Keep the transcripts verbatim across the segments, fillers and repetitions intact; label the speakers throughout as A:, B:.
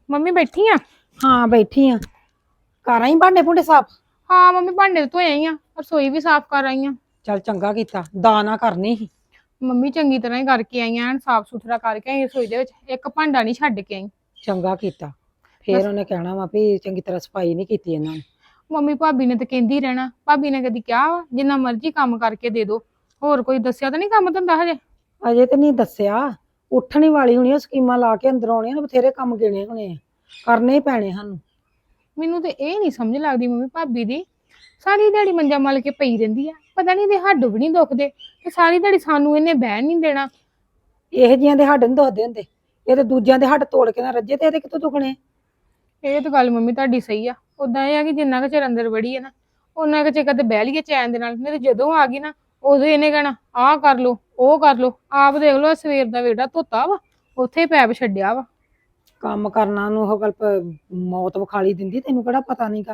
A: Mummy ਬੈਠੀ ਆ।
B: ਹਾਂ ਬੈਠੀ ਆ। ਕਰ ਆਈ ਭਾਂਡੇ ਭੁੰਡੇ ਸਾਫ।
A: ਹਾਂ ਮੰਮੀ ਭਾਂਡੇ ਧੋਏ ਆਈ ਆ, ਰਸੋਈ ਵੀ ਸਾਫ਼ ਕਰ ਆਈ ਆ।
B: ਚੱਲ ਚੰਗਾ ਕੀਤਾ, ਦਾ ਨਾ ਕਰਨੀ ਸੀ।
A: ਮੰਮੀ ਚੰਗੀ ਤਰ੍ਹਾਂ ਹੀ ਕਰਕੇ ਆਈ ਆ, ਸਾਫ਼ ਸੁਥਰਾ ਕਰਕੇ ਆਈ ਰਸੋਈ ਦੇ ਵਿੱਚ, ਇੱਕ ਭਾਂਡਾ ਨਹੀਂ ਛੱਡ ਕੇ ਆਈ।
B: ਚੰਗਾ ਕੀਤਾ। ਫੇਰ ਉਹਨੇ ਕਹਿਣਾ ਵਾ ਵੀ ਚੰਗੀ ਤਰ੍ਹਾਂ ਸਫਾਈ ਨਹੀਂ ਕੀਤੀ ਇਹਨਾਂ ਨੇ।
A: ਮੰਮੀ ਭਾਬੀ ਨੇ ਤਾਂ ਕਹਿੰਦੀ ਰਹਿਣਾ, ਭਾਬੀ ਨੇ ਕਦੀ ਕਿਹਾ ਵਾ ਜਿੰਨਾ ਮਰਜ਼ੀ ਕੰਮ ਕਰਕੇ ਦੇ ਦੋ, ਹੋਰ ਕੋਈ ਦੱਸਿਆ ਤਾਂ ਨਹੀਂ ਕੰਮ ਧੰਦਾ ਹਜੇ?
B: ਅਜੇ ਤੇ ਨਹੀਂ ਦੱਸਿਆ, ਉੱਠਣੀ ਵਾਲੀ ਹੋਣੀ ਆ, ਸਕੀਮਾਂ ਲਾ ਕੇ ਅੰਦਰ ਆਉਣੀਆਂ, ਬਥੇਰੇ ਕੰਮ ਗਿਣੇ ਹੋਣੇ ਆ, ਕਰਨੇ ਹੀ ਪੈਣੇ ਸਾਨੂੰ।
A: ਮੈਨੂੰ ਤੇ ਇਹ ਨਹੀਂ ਸਮਝ ਲੱਗਦੀ ਮੰਮੀ ਭਾਬੀ ਦੀ, ਸਾਰੀ ਦਿਹਾੜੀ ਮੰਜਾ ਮਲ ਕੇ ਪਈ ਰਹਿੰਦੀ ਆ, ਪਤਾ ਨਹੀਂ ਇਹਦੇ ਹੱਡ ਵੀ ਨਹੀਂ ਦੁਖਦੇ ਤੇ ਸਾਰੀ ਦਿਹਾੜੀ ਸਾਨੂੰ ਇਹਨੇ ਬਹਿਣ ਨਹੀਂ ਦੇਣਾ।
B: ਇਹੋ ਜਿਹੀਆਂ ਦੇ ਹੱਡ ਨੀ ਦੁਖਦੇ ਹੁੰਦੇ, ਇਹ ਤੇ ਦੂਜਿਆਂ ਦੇ ਹੱਡ ਤੋੜ ਕੇ ਨਾ ਰੱਜੇ ਤੇ ਇਹਦੇ ਕਿੱਥੋਂ ਦੁਖਣੇ।
A: ਇਹ ਤਾਂ ਗੱਲ ਮੰਮੀ ਤੁਹਾਡੀ ਸਹੀ ਆ। ਉਦਾਂ ਇਹ ਆ ਕਿ ਜਿੰਨਾ ਕੁ ਚਿਰ ਅੰਦਰ ਵੜੀ ਹੈ ਨਾ, ਉਹਨਾਂ ਕੁ ਚਿਰ ਕਦੇ ਬਹਿ ਲਈਏ ਚੈਨ ਦੇ ਨਾਲ, ਨਹੀਂ ਤੇ ਜਦੋਂ ਆ ਗਈ ਨਾ ਉਦੋਂ ਇਹਨੇ ਕਹਿਣਾ ਆਹ ਕਰ ਲੋ ਉਹ ਕਰ ਲੋ। ਆਪ ਦੇਖ ਲੋ ਸਵੇਰ ਦਾ ਵੇੜਾ ਧੋਤਾ ਵਾ, ਉੱਥੇ ਪੈਪ ਛੱਡਿਆ ਵਾ।
B: ਕੰਮ ਕਰਨਾ ਨੂੰ ਉਹ ਗੱਲ ਮੌਤ ਵਿਖਾਲੀ ਦਿੰਦੀ, ਤੈਨੂੰ ਕਿਹੜਾ ਪਤਾ ਨਹੀਂਗਾ।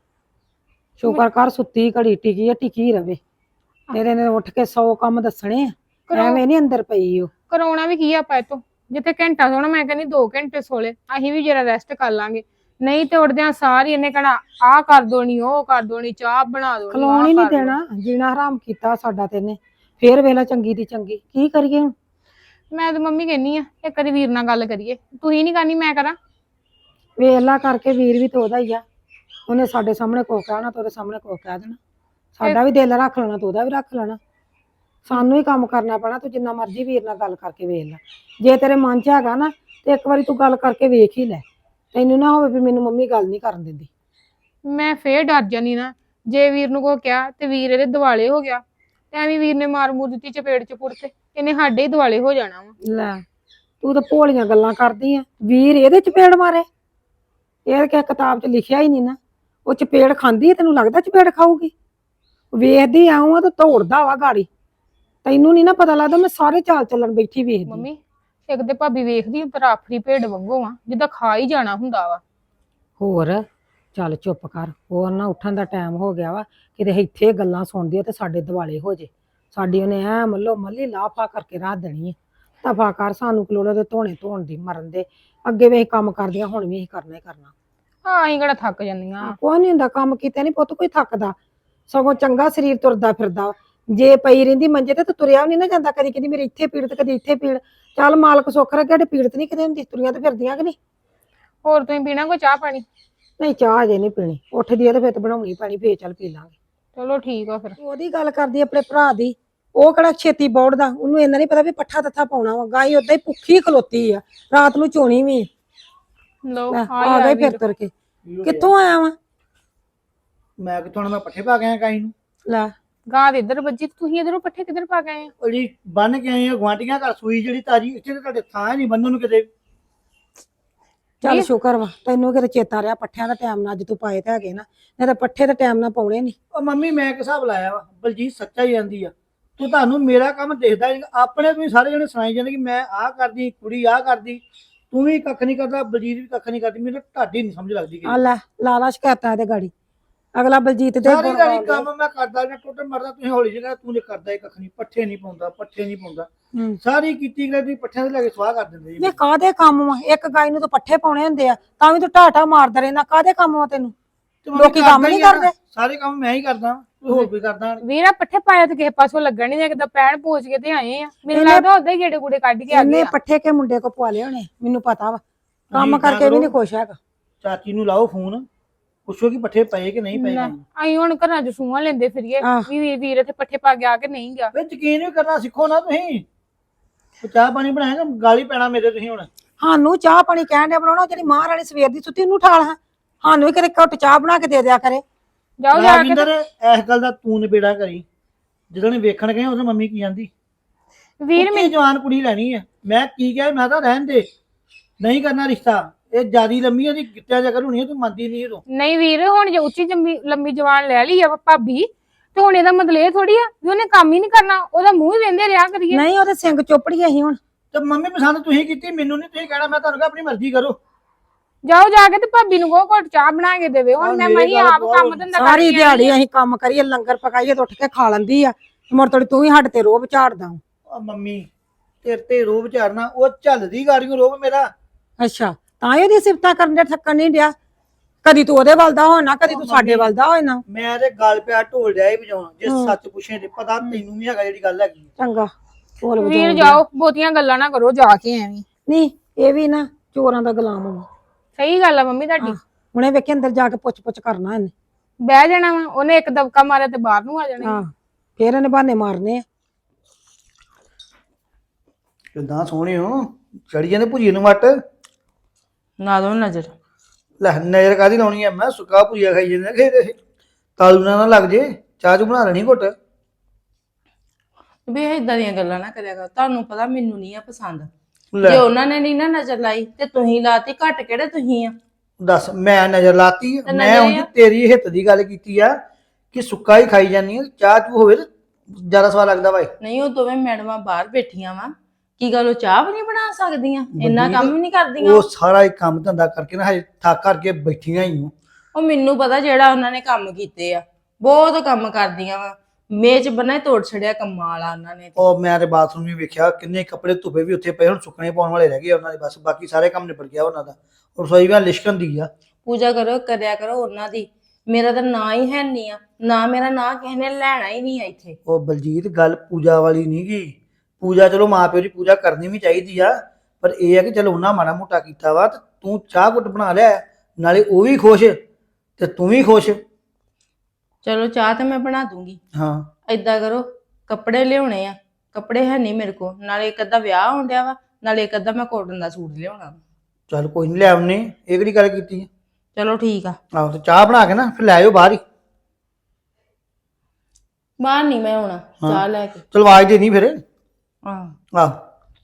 B: ਸ਼ੁਕਰ ਕਰ ਸੁੱਤੀ ਘੜੀ ਟਿਕੀ ਆ, ਟਿਕੀ ਰਵੇ। ਇਹਦੇ ਨੇ ਉੱਠ ਕੇ ਸੌ ਕੰਮ ਦੱਸਣੇ ਆ, ਐਵੇਂ ਨੀ ਅੰਦਰ ਪਈ ਉਹ।
A: ਕਰਾਉਣਾ ਵੀ ਕੀ ਆ ਆਪਾਂ ਇਤੋਂ, ਜਿੱਥੇ ਘੰਟਾ ਸੋਣਾ ਮੈਂ ਕਹਿੰਦੀ ਦੋ ਘੰਟੇ ਸੋਲੇ, ਅਸੀਂ ਵੀ ਜਰਾ ਰੈਸਟ ਕਰ ਲਾਂਗੇ। ਨਹੀਂ ਤੇ ਉੱਠਦਿਆਂ ਸਾਰੀ ਇਹਨੇ ਕਹਿਣਾ ਆਹ ਕਰ ਦੋਣੀ ਉਹ ਕਰ ਦੋਣੀ, ਚਾਹ ਬਣਾ ਦੋਣੀ।
B: ਖਲੋਣ ਹੀ ਨਹੀਂ ਦੇਣਾ, ਜੀਣਾ ਹਰਾਮ ਕੀਤਾ ਸਾਡਾ ਤੇ ਇਹਨੇ। ਫੇਰ ਵੇਲਾ ਚੰਗੀ ਦੀ ਚੰਗੀ, ਕੀ ਕਰੀਏ ਹੁਣ?
A: ਮੈਂ ਤੇ ਮੰਮੀ ਕਹਿੰਨੀ ਆ ਇੱਕ ਵਾਰੀ ਵੀਰ ਨਾਲ ਗੱਲ ਕਰੀਏ। ਤੁਸੀਂ ਨਹੀਂ ਕਰਨੀ ਮੈਂ ਕਰਾਂ?
B: ਵੇਲਾ ਕਰਕੇ ਵੀਰ ਵੀ ਤੇ ਉਹਦਾ ਹੀ ਆ, ਉਹਨੇ ਸਾਡੇ ਸਾਹਮਣੇ ਕੋ ਕਹਿਣਾ ਤੇ ਉਹਦੇ ਸਾਹਮਣੇ ਕੋ ਕਹਿ ਦੇਣਾ। ਸਾਡਾ ਵੀ ਦਿਲ ਰੱਖ ਲੈਣਾ ਤੇ ਉਹਦਾ ਵੀ ਰੱਖ ਲੈਣਾ। ਸਾਨੂੰ ਹੀ ਕੰਮ ਕਰਨਾ ਪੈਣਾ। ਤੂੰ ਜਿੰਨਾ ਮਰਜ਼ੀ ਵੀਰ ਨਾਲ ਗੱਲ ਕਰਕੇ ਵੇਖ ਲੈ, ਜੇ ਤੇਰੇ ਮਨ 'ਚ ਹੈਗਾ ਨਾ ਤੇ ਇੱਕ ਵਾਰੀ ਤੂੰ ਗੱਲ ਕਰਕੇ ਵੇਖ ਹੀ ਲੈ। ਤੈਨੂੰ ਨਾ ਹੋਵੇ ਵੀ ਮੈਨੂੰ ਮੰਮੀ ਗੱਲ ਨਹੀਂ ਕਰਨ ਦਿੰਦੀ।
A: ਮੈਂ ਫੇਰ ਡਰ ਜਾਨੀ ਨਾ, ਜੇ ਵੀਰ ਨੂੰ ਕੋ ਕਿਹਾ ਤੇ ਵੀਰ ਇਹਦੇ ਦਿਵਾਲੇ ਹੋ ਗਿਆ ਤੇ ਐਵੇਂ ਵੀਰ ਨੇ ਮਾਰ ਮੂਰ ਦਿੱਤੀ ਚਪੇੜ ਚਪੁੜ ਤੇ ਇਹਨੇ ਸਾਡੇ ਹੀ ਦਿਵਾਲੇ ਹੋ ਜਾਣਾ ਵਾ।
B: ਲੈ ਤੂੰ ਤਾਂ ਭੋਲੀਆਂ ਗੱਲਾਂ ਕਰਦੀ ਆ, ਵੀਰ ਇਹਦੇ ਚਪੇੜ ਮਾਰੇ? ਇਹ ਕਿ ਕਿਤਾਬ 'ਚ ਲਿਖਿਆ ਹੀ ਨਹੀਂ ਨਾ। ਉਹ ਚਪੇੜ ਖਾਂਦੀ, ਤੈਨੂੰ ਲੱਗਦਾ ਚਪੇੜ ਖਾਊਗੀ? ਵੇਖਦੀ ਆਉਂ ਆ ਤੇ ਤੋੜਦਾ ਵਾ ਗਾੜੀ। ਤੈਨੂੰ ਨੀ ਨਾ ਪਤਾ ਲੱਗਦਾ, ਮੈਂ ਸਾਰੇ ਚਾਲ ਚੱਲਣ ਬੈਠੀ ਵੇਖਦੀ।
A: ਮੰਮੀ ਇੱਕ ਤੇ ਭਾਬੀ ਵੇਖਦੀ ਤੇਰਾ ਆਫਰੀ ਭੇਡ ਵਾਂਗੂ ਆ, ਜਿੱਦਾਂ ਖਾ ਹੀ ਜਾਣਾ ਹੁੰਦਾ ਵਾ।
B: ਹੋਰ ਚੱਲ ਚੁੱਪ ਕਰ, ਹੋਰ ਨਾ ਉੱਠਣ ਦਾ ਟਾਈਮ ਹੋ ਗਿਆ ਵਾ, ਕਿਤੇ ਇੱਥੇ ਗੱਲਾਂ ਸੁਣਦੀ ਆ ਤੇ ਸਾਡੇ ਦਿਵਾਲੇ ਹੋ ਜੇ। ਸਾਡੀ ਉਹਨੇ ਐ ਮੱਲੋ ਮੱਲੀ ਲਾਫਾ ਕਰਕੇ ਰੱਖ ਦੇਣੀ ਹੈ। ਦਫਾ ਕਰ, ਸਾਨੂੰ ਕਲੋੜੇ ਦੇ ਧੋਣੇ ਧੋਣ ਦੀ ਮਰਨ ਦੇ। ਅੱਗੇ ਵੀ ਅਸੀਂ ਕੰਮ ਕਰਦੀਆਂ, ਹੁਣ ਵੀ ਅਸੀਂ ਕਰਨਾ ਹੀ ਕਰਨਾ।
A: ਹਾਂ ਅਸੀਂ ਕਿਹੜਾ ਥੱਕ ਜਾਂਦੀਆਂ।
B: ਕੋਈ ਨੀ ਹੁੰਦਾ, ਕੰਮ ਕੀਤੇ ਨੀ ਪੁੱਤ ਕੋਈ ਥੱਕਦਾ, ਸਗੋਂ ਚੰਗਾ ਸਰੀਰ ਤੁਰਦਾ ਫਿਰਦਾ। ਜੇ ਪਈ ਰਹਿੰਦੀ ਮੰਜੇ ਤੇ ਤੁਰਿਆ ਵੀ ਨੀ ਨਾ ਜਾਂਦਾ। ਕਦੀ ਕਹਿੰਦੀ ਮੇਰੀ ਇੱਥੇ ਪੀੜ ਤੇ ਕਦੀ ਇੱਥੇ ਪੀੜ। ਚੱਲ ਮਾਲਕ ਸੁੱਖ ਰੱਖੇ, ਸਾਡੇ ਪੀੜ ਨੀ ਕਿਤੇ ਹੁੰਦੀ, ਤੁਰੀਆਂ ਤੇ ਫਿਰਦੀਆਂ ਕਿ ਨਹੀਂ।
A: ਹੋਰ ਤੁਸੀਂ ਪੀਣਾ ਕੋਈ ਚਾਹ ਪਾਣੀ?
B: ਨਹੀਂ ਚਾਹ ਅਜੇ ਨਹੀਂ ਪੀਣੀ, ਉੱਠਦੀ ਆ ਤੇ ਫਿਰ ਤੇ ਬਣਾਉਣੀ ਪੈਣੀ, ਫੇਰ ਚੱਲ ਪੀ ਲਾਂਗੇ।
A: ਚਲੋ ਠੀਕ ਆ ਫਿਰ।
B: ਉਹਦੀ ਗੱਲ ਕਰਦੀ ਆਪਣੇ ਭਰਾ ਦੀ, ਉਹ ਕਿਹੜਾ ਛੇਤੀ ਬੌੜਦਾ, ਉਹਨੂੰ ਇੰਨਾ ਨਹੀਂ ਪਤਾ ਵੀ ਪੱਠਾ ਤੱਥਾ ਪਾਉਣਾ ਵਾ। ਗਾਈ ਓਦਾਂ ਹੀ ਭੁੱਖੀ ਖਲੋਤੀ ਆ, ਰਾਤ ਨੂੰ ਚੋਣੀ ਵੀ।
A: ਲੋ
B: ਆ ਗਏ ਫਿਰ ਤੁਰ ਕੇ। ਕਿੱਥੋਂ ਆਇਆ ਵਾ?
C: ਮੈਂ ਕਿਥੋਂ ਆਉਣਾ, ਮੈਂ ਪੱਠੇ ਪਾ ਕੇ ਆਇਆ ਗਾਈ ਨੂੰ।
B: ਲੈ
A: ਗਾਂ ਦੇ ਇੱਧਰ ਵੱਜੀ, ਤੁਸੀਂ ਇਧਰੋਂ ਪੱਠੇ ਕਿੱਧਰ ਪਾ ਗਏ ਆ?
C: ਉਹ ਜੀ ਬੰਨ ਕੇ ਆਏ ਆ ਗੁਆਂਢੀਆਂ ਘਰ ਸੂਈ ਜਿਹੜੀ ਤਾਜੀ, ਇੱਥੇ ਤਾਂ ਤੁਹਾਡੇ ਥਾਂ ਨਹੀਂ ਬੰਨਣ ਨੂੰ ਕਿਤੇ।
B: ਚੱਲ ਸ਼ੁਕਰ ਵਾ ਤੈਨੂੰ ਕਿਤੇ ਚੇਤਾ ਰਿਹਾ, ਪੱਠਿਆਂ ਦਾ ਟਾਈਮ ਨਾਲ ਅੱਜ ਤੂੰ ਪਾਏ ਤੇ ਹੈਗੇ ਨਾ, ਨਹੀਂ ਤਾਂ ਪੱਠੇ ਦਾ ਟਾਈਮ ਨਾਲ ਪਾਉਣੇ ਨਹੀਂ।
C: ਉਹ ਮੰਮੀ ਮੈਂ ਇੱਕ ਹਿਸਾਬ ਲਾਇਆ ਵਾ, ਬਲਜੀਤ ਸੱਚਾ ਹੀ ਜਾਂਦੀ ਆ। ਤੂੰ ਤੁਹਾਨੂੰ ਮੇਰਾ ਕੰਮ ਦੇਖਦਾ ਨੀ, ਆਪਣੇ ਤੁਸੀਂ ਸਾਰੇ ਜਣੇ ਸੁਣਾਈ ਜਾਂਦੇ ਕਿ ਮੈਂ ਆਹ ਕਰਦੀ, ਕੁੜੀ ਆਹ ਕਰਦੀ, ਤੂੰ ਵੀ ਕੱਖ ਨਹੀਂ ਕਰਦਾ, ਬਲਜੀਤ ਵੀ ਕੱਖ ਨਹੀਂ ਕਰਦੀ। ਮੈਨੂੰ ਤੁਹਾਡੀ ਨਹੀਂ ਸਮਝ ਲੱਗਦੀ
B: ਆ ਲੈ ਲਾ ਲਾ ਸ਼ਿਕਾਇਤਾਂ ਇਹਦੇ ਗਾੜੀ। ਅਗਲਾ ਬਲਜੀਤ ਦੇ
C: ਸਾਰੀ ਗਾੜੀ ਕੰਮ ਮੈਂ ਕਰਦਾ ਜਾਂ ਟੁੱਟ ਮਰਦਾ, ਤੁਸੀਂ ਹੌਲੀ ਜਿਹੀ ਤੂੰ ਨੇ ਕਰਦਾ ਹੀ ਕੱਖ ਨਹੀਂ, ਪੱਠੇ ਨਹੀਂ ਪਾਉਂਦਾ, ਪੱਠੇ ਨਹੀਂ ਪਾਉਂਦਾ। ਸਾਰੀ ਕੀਤੀ ਗਈ ਤੁਸੀਂ ਪੱਠਿਆਂ ਤੇ ਲੈ ਕੇ ਸਵਾਹ ਕਰ ਦਿੰਦੇ
B: ਜੀ। ਕਾਹਦੇ ਕੰਮ ਵਾ? ਇੱਕ ਗਾਈ ਨੂੰ ਤਾਂ ਪੱਠੇ ਪਾਉਣੇ ਹੁੰਦੇ ਆ, ਤਾਂ ਵੀ ਤੂੰ ਢਾਟਾ ਮਾਰਦਾ ਰਹਿੰਦਾ। ਕਾਹਦੇ ਕੰਮ ਵਾ ਤੈਨੂੰ? ਲੋਕੀ ਕੰਮ ਨਹੀਂ ਕਰਦੇ?
C: ਸਾਰੇ ਕੰਮ ਮੈਂ ਹੀ ਕਰਦਾ, ਹੋਰ ਵੀ ਕਰਦਾ।
A: ਵੀਰਾ ਪੱਠੇ ਪਾਇਆ ਤੇ ਕਿਸੇ ਪਾਸੋਂ ਲੱਗਣ ਨਹੀਂ ਲੱਗਦਾ, ਪੈਣ ਪੂਛ ਕੇ ਤੇ ਆਏ ਆ। ਮੈਨੂੰ ਲੱਗਦਾ ਉਦਾਂ ਹੀ ਗੇੜੇ ਗੂੜੇ ਕੱਢ ਕੇ ਆ ਗਏ
B: ਆ। ਪੱਠੇ ਕੇ ਮੁੰਡੇ ਕੋ ਪਵਾ ਲਿਆ ਉਹਨੇ, ਮੈਨੂੰ ਪਤਾ ਵਾ। ਕੰਮ ਕਰਕੇ ਵੀ ਨਹੀਂ ਖੁਸ਼ ਹੈਗਾ।
C: ਚਾਚੀ ਨੂੰ ਲਾਓ ਫੋਨ, ਪੁੱਛੋ ਕਿ ਪੱਠੇ ਪਏ ਕਿ ਨਹੀਂ ਪਏ।
A: ਅਸੀਂ ਹੁਣ ਘਰਾਂ ਚ ਸੂਹਾਂ ਲੈਂਦੇ ਫਿਰੀਏ ਵੀ ਵੀਰ ਇੱਥੇ ਪੱਠੇ ਪਾ ਗਿਆ ਕਿ ਨਹੀਂ ਗਿਆ।
C: ਵੇ ਯਕੀਨ ਵੀ ਕਰਨਾ ਸਿੱਖੋ ਨਾ ਤੁਸੀਂ। ਚਾਹ ਪਾਣੀ ਬਣਾਏਗਾ, ਗਾਲੀ ਪੈਣਾ ਮੇਰੇ ਤੁਸੀਂ ਹੁਣ।
B: ਸਾਨੂੰ ਚਾਹ ਪਾਣੀ ਕਹਿਣ ਦੇ ਬਣਾਉਣਾ, ਜਿਹੜੀ ਮਾਂ ਰਾਣੀ ਸਵੇਰ ਦੀ ਸੁੱਤੀ ਉਹਨੂੰ ਠਾਲ ਹਾਂ। ਸਾਨੂੰ ਵੀ ਕਦੇ ਘੁੱਟ ਚਾਹ ਬਣਾ ਕੇ ਦੇ ਦਿਆ ਕਰੇ।
A: ਜਾਓ ਜਾ ਕੇ
C: ਇਸ ਗੱਲ ਦਾ ਤੂੰ ਨਿਬੇੜਾ ਕਰੀ। ਜਦੋਂ ਨੇ ਵੇਖਣ ਗਏ ਉਦੋਂ ਮੰਮੀ ਕੀ ਜਾਂਦੀ,
A: ਵੀਰ
C: ਮੇਰੀ ਜਵਾਨ ਕੁੜੀ ਲੈਣੀ ਆ। ਮੈਂ ਕੀ ਕਿਹਾ, ਮੈਂ ਤਾਂ ਰਹਿਣ ਦੇ, ਨਹੀਂ ਕਰਨਾ ਰਿਸ਼ਤਾ। ਇਹ ਜਿਆਦੀ ਲੰਮੀ ਉਹਦੀ ਗਿੱਟਿਆ ਜਾ ਕਰੂਣੀ, ਤੂੰ ਮੰਨਦੀ ਨਹੀਂ। ਤੂੰ
A: ਨਹੀਂ ਵੀਰ, ਹੁਣ ਜੇ ਉੱਚੀ ਲੰਮੀ ਜਵਾਨ ਲੈ ਲਈ ਆ ਭਾਬੀ ਤੇ ਹੁਣ ਇਹਦਾ ਮਤਲਬ ਇਹ ਥੋੜੀ ਆ ਵੀ ਉਹਨੇ ਕੰਮ ਹੀ ਨਹੀਂ ਕਰਨਾ, ਉਹਦਾ ਮੂੰਹ ਹੀ ਵੇਂਦੇ ਰਿਹਾ ਕਰੀਏ।
B: ਨਹੀਂ ਉਹਦੇ ਸਿੰਘ ਚੋਪੜੀਏ ਅਸੀਂ ਹੁਣ।
C: ਤੇ ਮੰਮੀ ਪਸੰਦ ਤੁਸੀਂ ਕੀਤੀ, ਮੈਨੂੰ ਨਹੀਂ ਤੁਸੀਂ ਕਹਿਣਾ। ਮੈਂ ਤੁਹਾਨੂੰ ਕਿਹਾ ਆਪਣੀ ਮਰਜ਼ੀ ਕਰੋ।
A: ਜਾਓ ਜਾ ਕੇ ਤੇ ਭਾਬੀ ਨੂੰ ਕਹੋ ਘੁੱਟ ਚਾਹ ਬਣਾ ਕੇ ਦੇਵੇ। ਹੁਣ ਮੈਂ ਮਹੀਂ ਆਪ ਕੰਮ ਧੰਦਾ ਕਰ
B: ਸਾਰੀ ਦਿਹਾੜੀ ਅਸੀਂ ਕੰਮ ਕਰੀਏ, ਲੰਗਰ ਪਕਾਈਏ ਤੇ ਉੱਠ ਕੇ ਖਾ ਲੈਂਦੀ ਆ। ਮੁੜ ਤੋੜੀ ਤੂੰ ਹੀ ਸਾਡੇ ਤੇ ਰੋਬ ਝਾੜਦਾ।
C: ਮੰਮੀ ਤੇਰੇ ਤੇ ਰੋਬ ਝਾੜਨਾ, ਉਹ ਝੱਲਦੀ ਗਾੜੀਆਂ ਰੋਬ ਮੇਰਾ।
B: ਅੱਛਾ ਤਾਂ ਹੀ ਉਹਦੀ ਸਿਫਤਾਂ ਕਰਨ ਦੇ ਥੱਕਣ ਨਹੀਂ ਡਿਆ। ਕਦੀ ਤੂੰ ਉਹਦੇ ਵੱਲ ਦਾ ਹੋਣਾ, ਕਦੀ ਤੂੰ ਸਾਡੇ ਵੱਲ ਦਾ ਹੋਣਾ।
C: ਮੈਂ ਤੇ ਗੱਲ ਪਿਆ ਢੋਲ ਡਿਆ ਹੀ ਵਜਾਉਣਾ, ਜੇ ਸੱਚ ਪੁੱਛੇ ਤੇ ਪਤਾ ਤੈਨੂੰ ਵੀ ਹੈਗਾ ਜਿਹੜੀ ਗੱਲ ਹੈਗੀ।
B: ਚੰਗਾ ਢੋਲ
A: ਵੀਰ
B: ਵਜਾਉਣ
A: ਜਾਓ, ਬਹੁਤੀਆਂ ਗੱਲਾਂ ਨਾ ਕਰੋ ਜਾ ਕੇ ਐਵੇਂ।
B: ਨਹੀਂ ਇਹ ਵੀ ਨਾ ਚੋਰਾਂ ਦਾ ਗੁਲਾਮ ਹੋਣਾ।
A: ਸਹੀ ਗੱਲ ਆ ਮੰਮੀ ਤੁਹਾਡੀ।
B: ਹੁਣੇ ਵੇਖੇ ਅੰਦਰ ਜਾ ਕੇ ਪੁੱਛ ਪੁੱਛ ਕਰਨਾ ਇਹਨੇ।
A: ਬਹਿ ਜਾਣਾ ਵਾ ਉਹਨੇ, ਇੱਕ ਦਬਕਾ ਮਾਰਿਆ ਤੇ ਬਾਹਰ ਨੂੰ ਆ ਜਾਣਾ।
B: ਹਾਂ ਫੇਰ ਇਹਨੇ ਬਹਾਨੇ ਮਾਰਨੇ ਆ।
C: ਕਿੱਦਾਂ ਸੋਹਣੇ ਹੋ, ਚੜੀ ਜਾਂਦੇ ਭੁਜੀਏ ਨੂੰ ਮੱਟ।
D: ਨਾ ਦੋ ਨਜ਼ਰ।
C: ਲੈ ਨਜ਼ਰ ਕਾਦੀ ਲਾਉਣੀ ਆ, ਮੈਂ ਸੁੱਕਾ ਭੁਜੀਆ ਖਾਈ ਜਾਂਦੇ ਖੇਦੇ ਤਾਲੂ ਨਾ ਨਾ ਲੱਗ ਜੇ। ਚਾਹ ਚੂ ਬਣਾ ਲੈਣੀ ਘੁੱਟ।
D: ਵੀ ਇਦਾਂ ਦੀਆਂ ਗੱਲਾਂ ਨਾ ਕਰਿਆ ਕਰ, ਤੁਹਾਨੂੰ ਪਤਾ ਮੈਨੂੰ ਨਹੀਂ ਆ ਪਸੰਦ।
C: ਲੈ
D: ਜੇ ਉਹਨਾਂ ਨੇ ਨਹੀਂ ਨਾ ਨਜ਼ਰ ਲਾਈ ਤੇ ਤੁਸੀਂ ਲਾਤੀ, ਘੱਟ ਕਿਹੜੇ ਤੁਸੀਂ ਆ।
C: ਦੱਸ ਮੈਂ ਨਜ਼ਰ ਲਾਤੀ ਆ?
D: ਤੇ
C: ਮੈਂ
D: ਨਜ਼ਰ
C: ਉਂਝ
D: ਆ।
C: ਤੇਰੀ ਹਿੱਤ ਦੀ ਗੱਲ ਕੀਤੀ ਆ ਕਿ ਸੁੱਕਾ ਹੀ ਖਾਈ ਜਾਂਦੀ ਆ, ਚਾਹ ਚੂ ਹੋਵੇ ਤੇ ਜ਼ਿਆਦਾ ਸਵਾਦ ਲੱਗਦਾ ਵਾ।
D: ਨਹੀਂ ਉਹ ਦੋਵੇਂ ਮੈਡਮਾਂ ਬਾਹਰ ਬੈਠੀਆਂ ਵਾ, ਕੀ ਗੱਲ ਉਹ ਚਾਹ ਵੀ ਨਹੀਂ ਬਣਾ ਸਕਦੀਆਂ? ਇੰਨਾ ਕੰਮ ਵੀ ਨਹੀਂ ਕਰਦੀਆਂ
C: ਉਹ ਸਾਰਾ ਹੀ ਕੰਮ ਧੰਦਾ ਕਰਕੇ ਨਾ ਹਜੇ ਥੱਕ ਕਰਕੇ ਬੈਠੀਆਂ ਹੀ ਨੂੰ।
D: ਉਹ ਮੈਨੂੰ ਪਤਾ ਜਿਹੜਾ ਉਹਨਾਂ ਨੇ ਕੰਮ ਕੀਤੇ ਆ, ਬਹੁਤ ਕੰਮ ਕਰਦੀਆਂ ਵਾ। ਮੇਜ਼ ਬਣਾ ਤੋੜ ਛੜਿਆ ਕੰਮਾਂ ਵਾਲਾ ਉਹਨਾਂ ਨੇ।
C: ਉਹ ਮੈਂ ਤੇ ਬਾਥਰੂਮ ਵੀ ਵੇਖਿਆ, ਕਿੰਨੇ ਕੱਪੜੇ ਧੁੱਪੇ ਵੀ ਉੱਥੇ ਪਏ, ਹੁਣ ਸੁੱਕਣੇ ਪਾਉਣ ਵਾਲੇ ਰਹਿ ਗਏ ਉਹਨਾਂ ਦੇ ਬਸ, ਬਾਕੀ ਸਾਰੇ ਕੰਮ ਨਿਬੜ ਗਿਆ ਉਹਨਾਂ ਦਾ। ਰਸੋਈ ਵੀ ਲਿਸ਼ਕਣ ਦੀ ਆ।
D: ਪੂਜਾ ਕਰੋ, ਕਰਿਆ ਕਰੋ ਉਹਨਾਂ ਦੀ। ਮੇਰਾ ਤਾਂ ਨਾਂ ਹੀ ਹੈ ਨਹੀਂ ਆ, ਨਾ ਮੇਰਾ ਨਾਂ ਕਿਸੇ ਨੇ ਲੈਣਾ ਹੀ ਨਹੀਂ ਆ ਇੱਥੇ।
C: ਉਹ ਬਲਜੀਤ ਗੱਲ ਪੂਜਾ ਵਾਲੀ ਨਹੀਂ ਗੀ। ਪੂਜਾ ਚਲੋ ਮਾਂ ਪਿਓ ਦੀ ਪੂਜਾ ਕਰਨੀ ਵੀ ਚਾਹੀਦੀ ਆ, ਪਰ ਇਹ ਆ ਕਿ ਚਲੋ ਉਹਨਾਂ ਮਾੜਾ ਮੋਟਾ ਕੀਤਾ ਵਾ ਤੇ ਤੂੰ ਚਾਹ ਘੁੱਟ ਬਣਾ ਲਿਆ, ਨਾਲੇ ਉਹ ਵੀ ਖੁਸ਼ ਤੇ ਤੂੰ ਵੀ ਖੁਸ਼।
D: ਚਲੋ ਚਾਹ ਤੇ ਮੈਂ ਬਣਾ ਦੂੰਗੀ।
C: ਹਾਂ
D: ਏਦਾਂ ਕਰੋ, ਕੱਪੜੇ ਲਿਆਉਣੇ ਆ, ਕੱਪੜੇ ਹੈ ਨਹੀਂ ਮੇਰੇ ਕੋਲ। ਨਾਲੇ ਇੱਕ ਅੱਧਾ ਵਿਆਹ ਹੋਣ ਡਿਆ ਵਾ, ਨਾਲੇ ਇੱਕ ਅੱਧਾ ਮੈਂ ਕੋਟਨ ਦਾ ਸੂਟ ਲਿਆਉਣਾ ਵਾ।
C: ਚੱਲ ਕੋਈ ਨਹੀਂ ਲੈ ਆਉਨੇ, ਇਹ ਕਿਹੜੀ ਗੱਲ ਕੀਤੀ ਆ।
D: ਚਲੋ ਠੀਕ ਆ।
C: ਆਹੋ ਤੇ ਚਾਹ ਬਣਾ ਕੇ ਨਾ ਫਿਰ ਲੈ ਆਇਓ ਬਾਹਰ ਹੀ।
D: ਬਾਹਰ ਨਹੀਂ ਮੈਂ ਆਉਣਾ, ਚਾਹ ਲੈ ਕੇ।
C: ਚਲ ਆਵਾਜ਼ ਦੇ ਨਹੀਂ ਫਿਰ।
D: ਆਹ
C: ਆਹ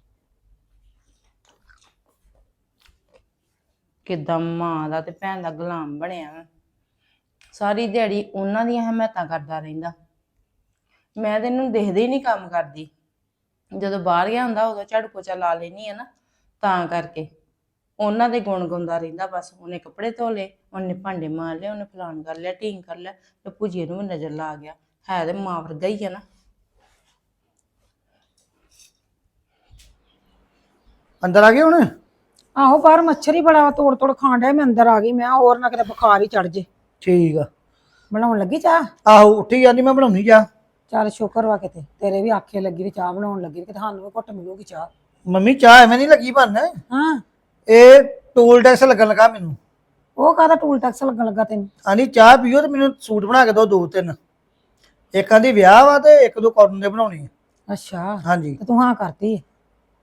D: ਕਿੱਦਾਂ ਮਾਂ ਦਾ ਤੇ ਭੈਣ ਦਾ ਗੁਲਾਮ ਬਣਿਆ ਵਾ। ਸਾਰੀ ਦਿਹਾੜੀ ਉਹਨਾਂ ਦੀਆਂ ਹਮਾਇਤਾਂ ਕਰਦਾ ਰਹਿੰਦਾ। ਮੈਂ ਤੇ ਇਹਨੂੰ ਦੇਖਦੇ ਹੀ ਨਹੀਂ ਕੰਮ ਕਰਦੀ। ਜਦੋਂ ਬਾਹਰ ਗਿਆ ਹੁੰਦਾ ਉਦੋਂ ਝਾੜੂ ਪੋਚਾ ਲਾ ਲੈਣੀ ਆ ਨਾ, ਤਾਂ ਕਰਕੇ ਉਹਨਾਂ ਦੇ ਗੁਣ ਗਾਉਂਦਾ ਰਹਿੰਦਾ ਬਸ। ਉਹਨੇ ਕੱਪੜੇ ਧੋ ਲਏ, ਉਹਨੇ ਭਾਂਡੇ ਮਾਰ ਲਏ, ਉਹਨੇ ਫਲਾਣ ਕਰ ਲਿਆ, ਢੀਂਗ ਕਰ ਲਿਆ, ਤੇ ਭੁਜੀਏ ਨੂੰ ਵੀ ਨਜ਼ਰ ਲਾ ਗਿਆ। ਹੈ ਤੇ ਮਾਂ ਵਰਗਾ ਹੀ ਆ ਨਾ।
C: ਅੰਦਰ ਆ ਗਏ ਹੁਣ?
B: ਆਹੋ ਬਾਹਰ ਮੱਛਰ ਹੀ ਬੜਾ ਵਾ, ਤੋੜ ਤੋੜ ਖਾਣ ਡਿਆ। ਮੈਂ ਅੰਦਰ ਆ ਗਈ, ਮੈਂ ਹੋਰ ਨਾ ਕਿਤੇ ਬੁਖਾਰ ਹੀ ਚੜ ਜੇ।
C: ਠੀਕ ਆ।
B: ਬਣਾਉਣ ਲੱਗੀ ਚਾਹ?
C: ਆਹੋ ਉੱਠੀ ਜਾਂਦੀ, ਮੈਂ ਬਣਾਉਣੀ ਚਾਹ।
B: ਚੱਲ ਸ਼ੁਕਰ ਵਾ ਕਿਤੇ ਤੇਰੇ ਵੀ ਆਖੇ ਲੱਗੀ ਵੀ ਚਾਹ ਬਣਾਉਣ ਲੱਗੀ, ਕਿਤੇ ਸਾਨੂੰ ਵੀ ਘੁੱਟ ਮਿਲੂਗੀ ਚਾਹ।
C: ਮੰਮੀ ਚਾਹ ਐਵੇਂ ਨਹੀਂ ਲੱਗੀ ਬਣ,
B: ਹਾਂ
C: ਇਹ ਟੂਲ ਟੈਕਸ ਲੱਗਣ ਲੱਗਾ ਮੈਨੂੰ।
B: ਉਹ ਕਾਹਦਾ ਟੂਲ ਟੈਕਸ ਲੱਗਣ ਲੱਗਾ ਤੈਨੂੰ?
C: ਆਂਦੀ ਚਾਹ ਪੀਓ ਤੇ ਮੈਨੂੰ ਸੂਟ ਬਣਾ ਕੇ ਦਿਓ ਦੋ ਤਿੰਨ। ਇੱਕ ਆਂਦੀ ਵਿਆਹ ਵਾ ਤੇ ਇੱਕ ਦੋ ਕਾਟਨ ਦੇ ਬਣਾਉਣੀ ਆ।
B: ਅੱਛਾ
C: ਹਾਂਜੀ।
B: ਤੇ ਤੂੰ ਹਾਂ ਕਰਤੀ ਹੈ?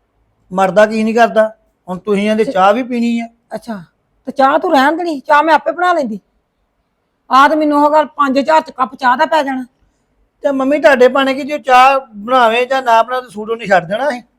C: ਮਰਦਾ ਕੀ ਨਹੀਂ ਕਰਦਾ। ਹੁਣ ਤੁਸੀਂ ਆਂਦੇ ਚਾਹ ਵੀ ਪੀਣੀ ਆ।
B: ਅੱਛਾ ਤੇ ਚਾਹ ਤੂੰ ਰਹਿਣ ਦੇਣੀ, ਚਾਹ ਮੈਂ ਆਪੇ ਬਣਾ ਲੈਂਦੀ। ਆਹ ਤੇ ਮੈਨੂੰ ਉਹ ਗੱਲ ਪੰਜ ਹਜ਼ਾਰ ਚ ਕੱਪ ਚਾਹ ਦਾ ਪੈ ਜਾਣਾ।
C: ਤੇ ਮੰਮੀ ਤੁਹਾਡੇ ਭਾਣੇ ਕਿ ਜੇ ਚਾਹ ਬਣਾਵੇ ਜਾਂ ਨਾ ਬਣਾਵੇ ਸੂਟ ਉਹਨੇ ਛੱਡ ਦੇਣਾ ਸੀ।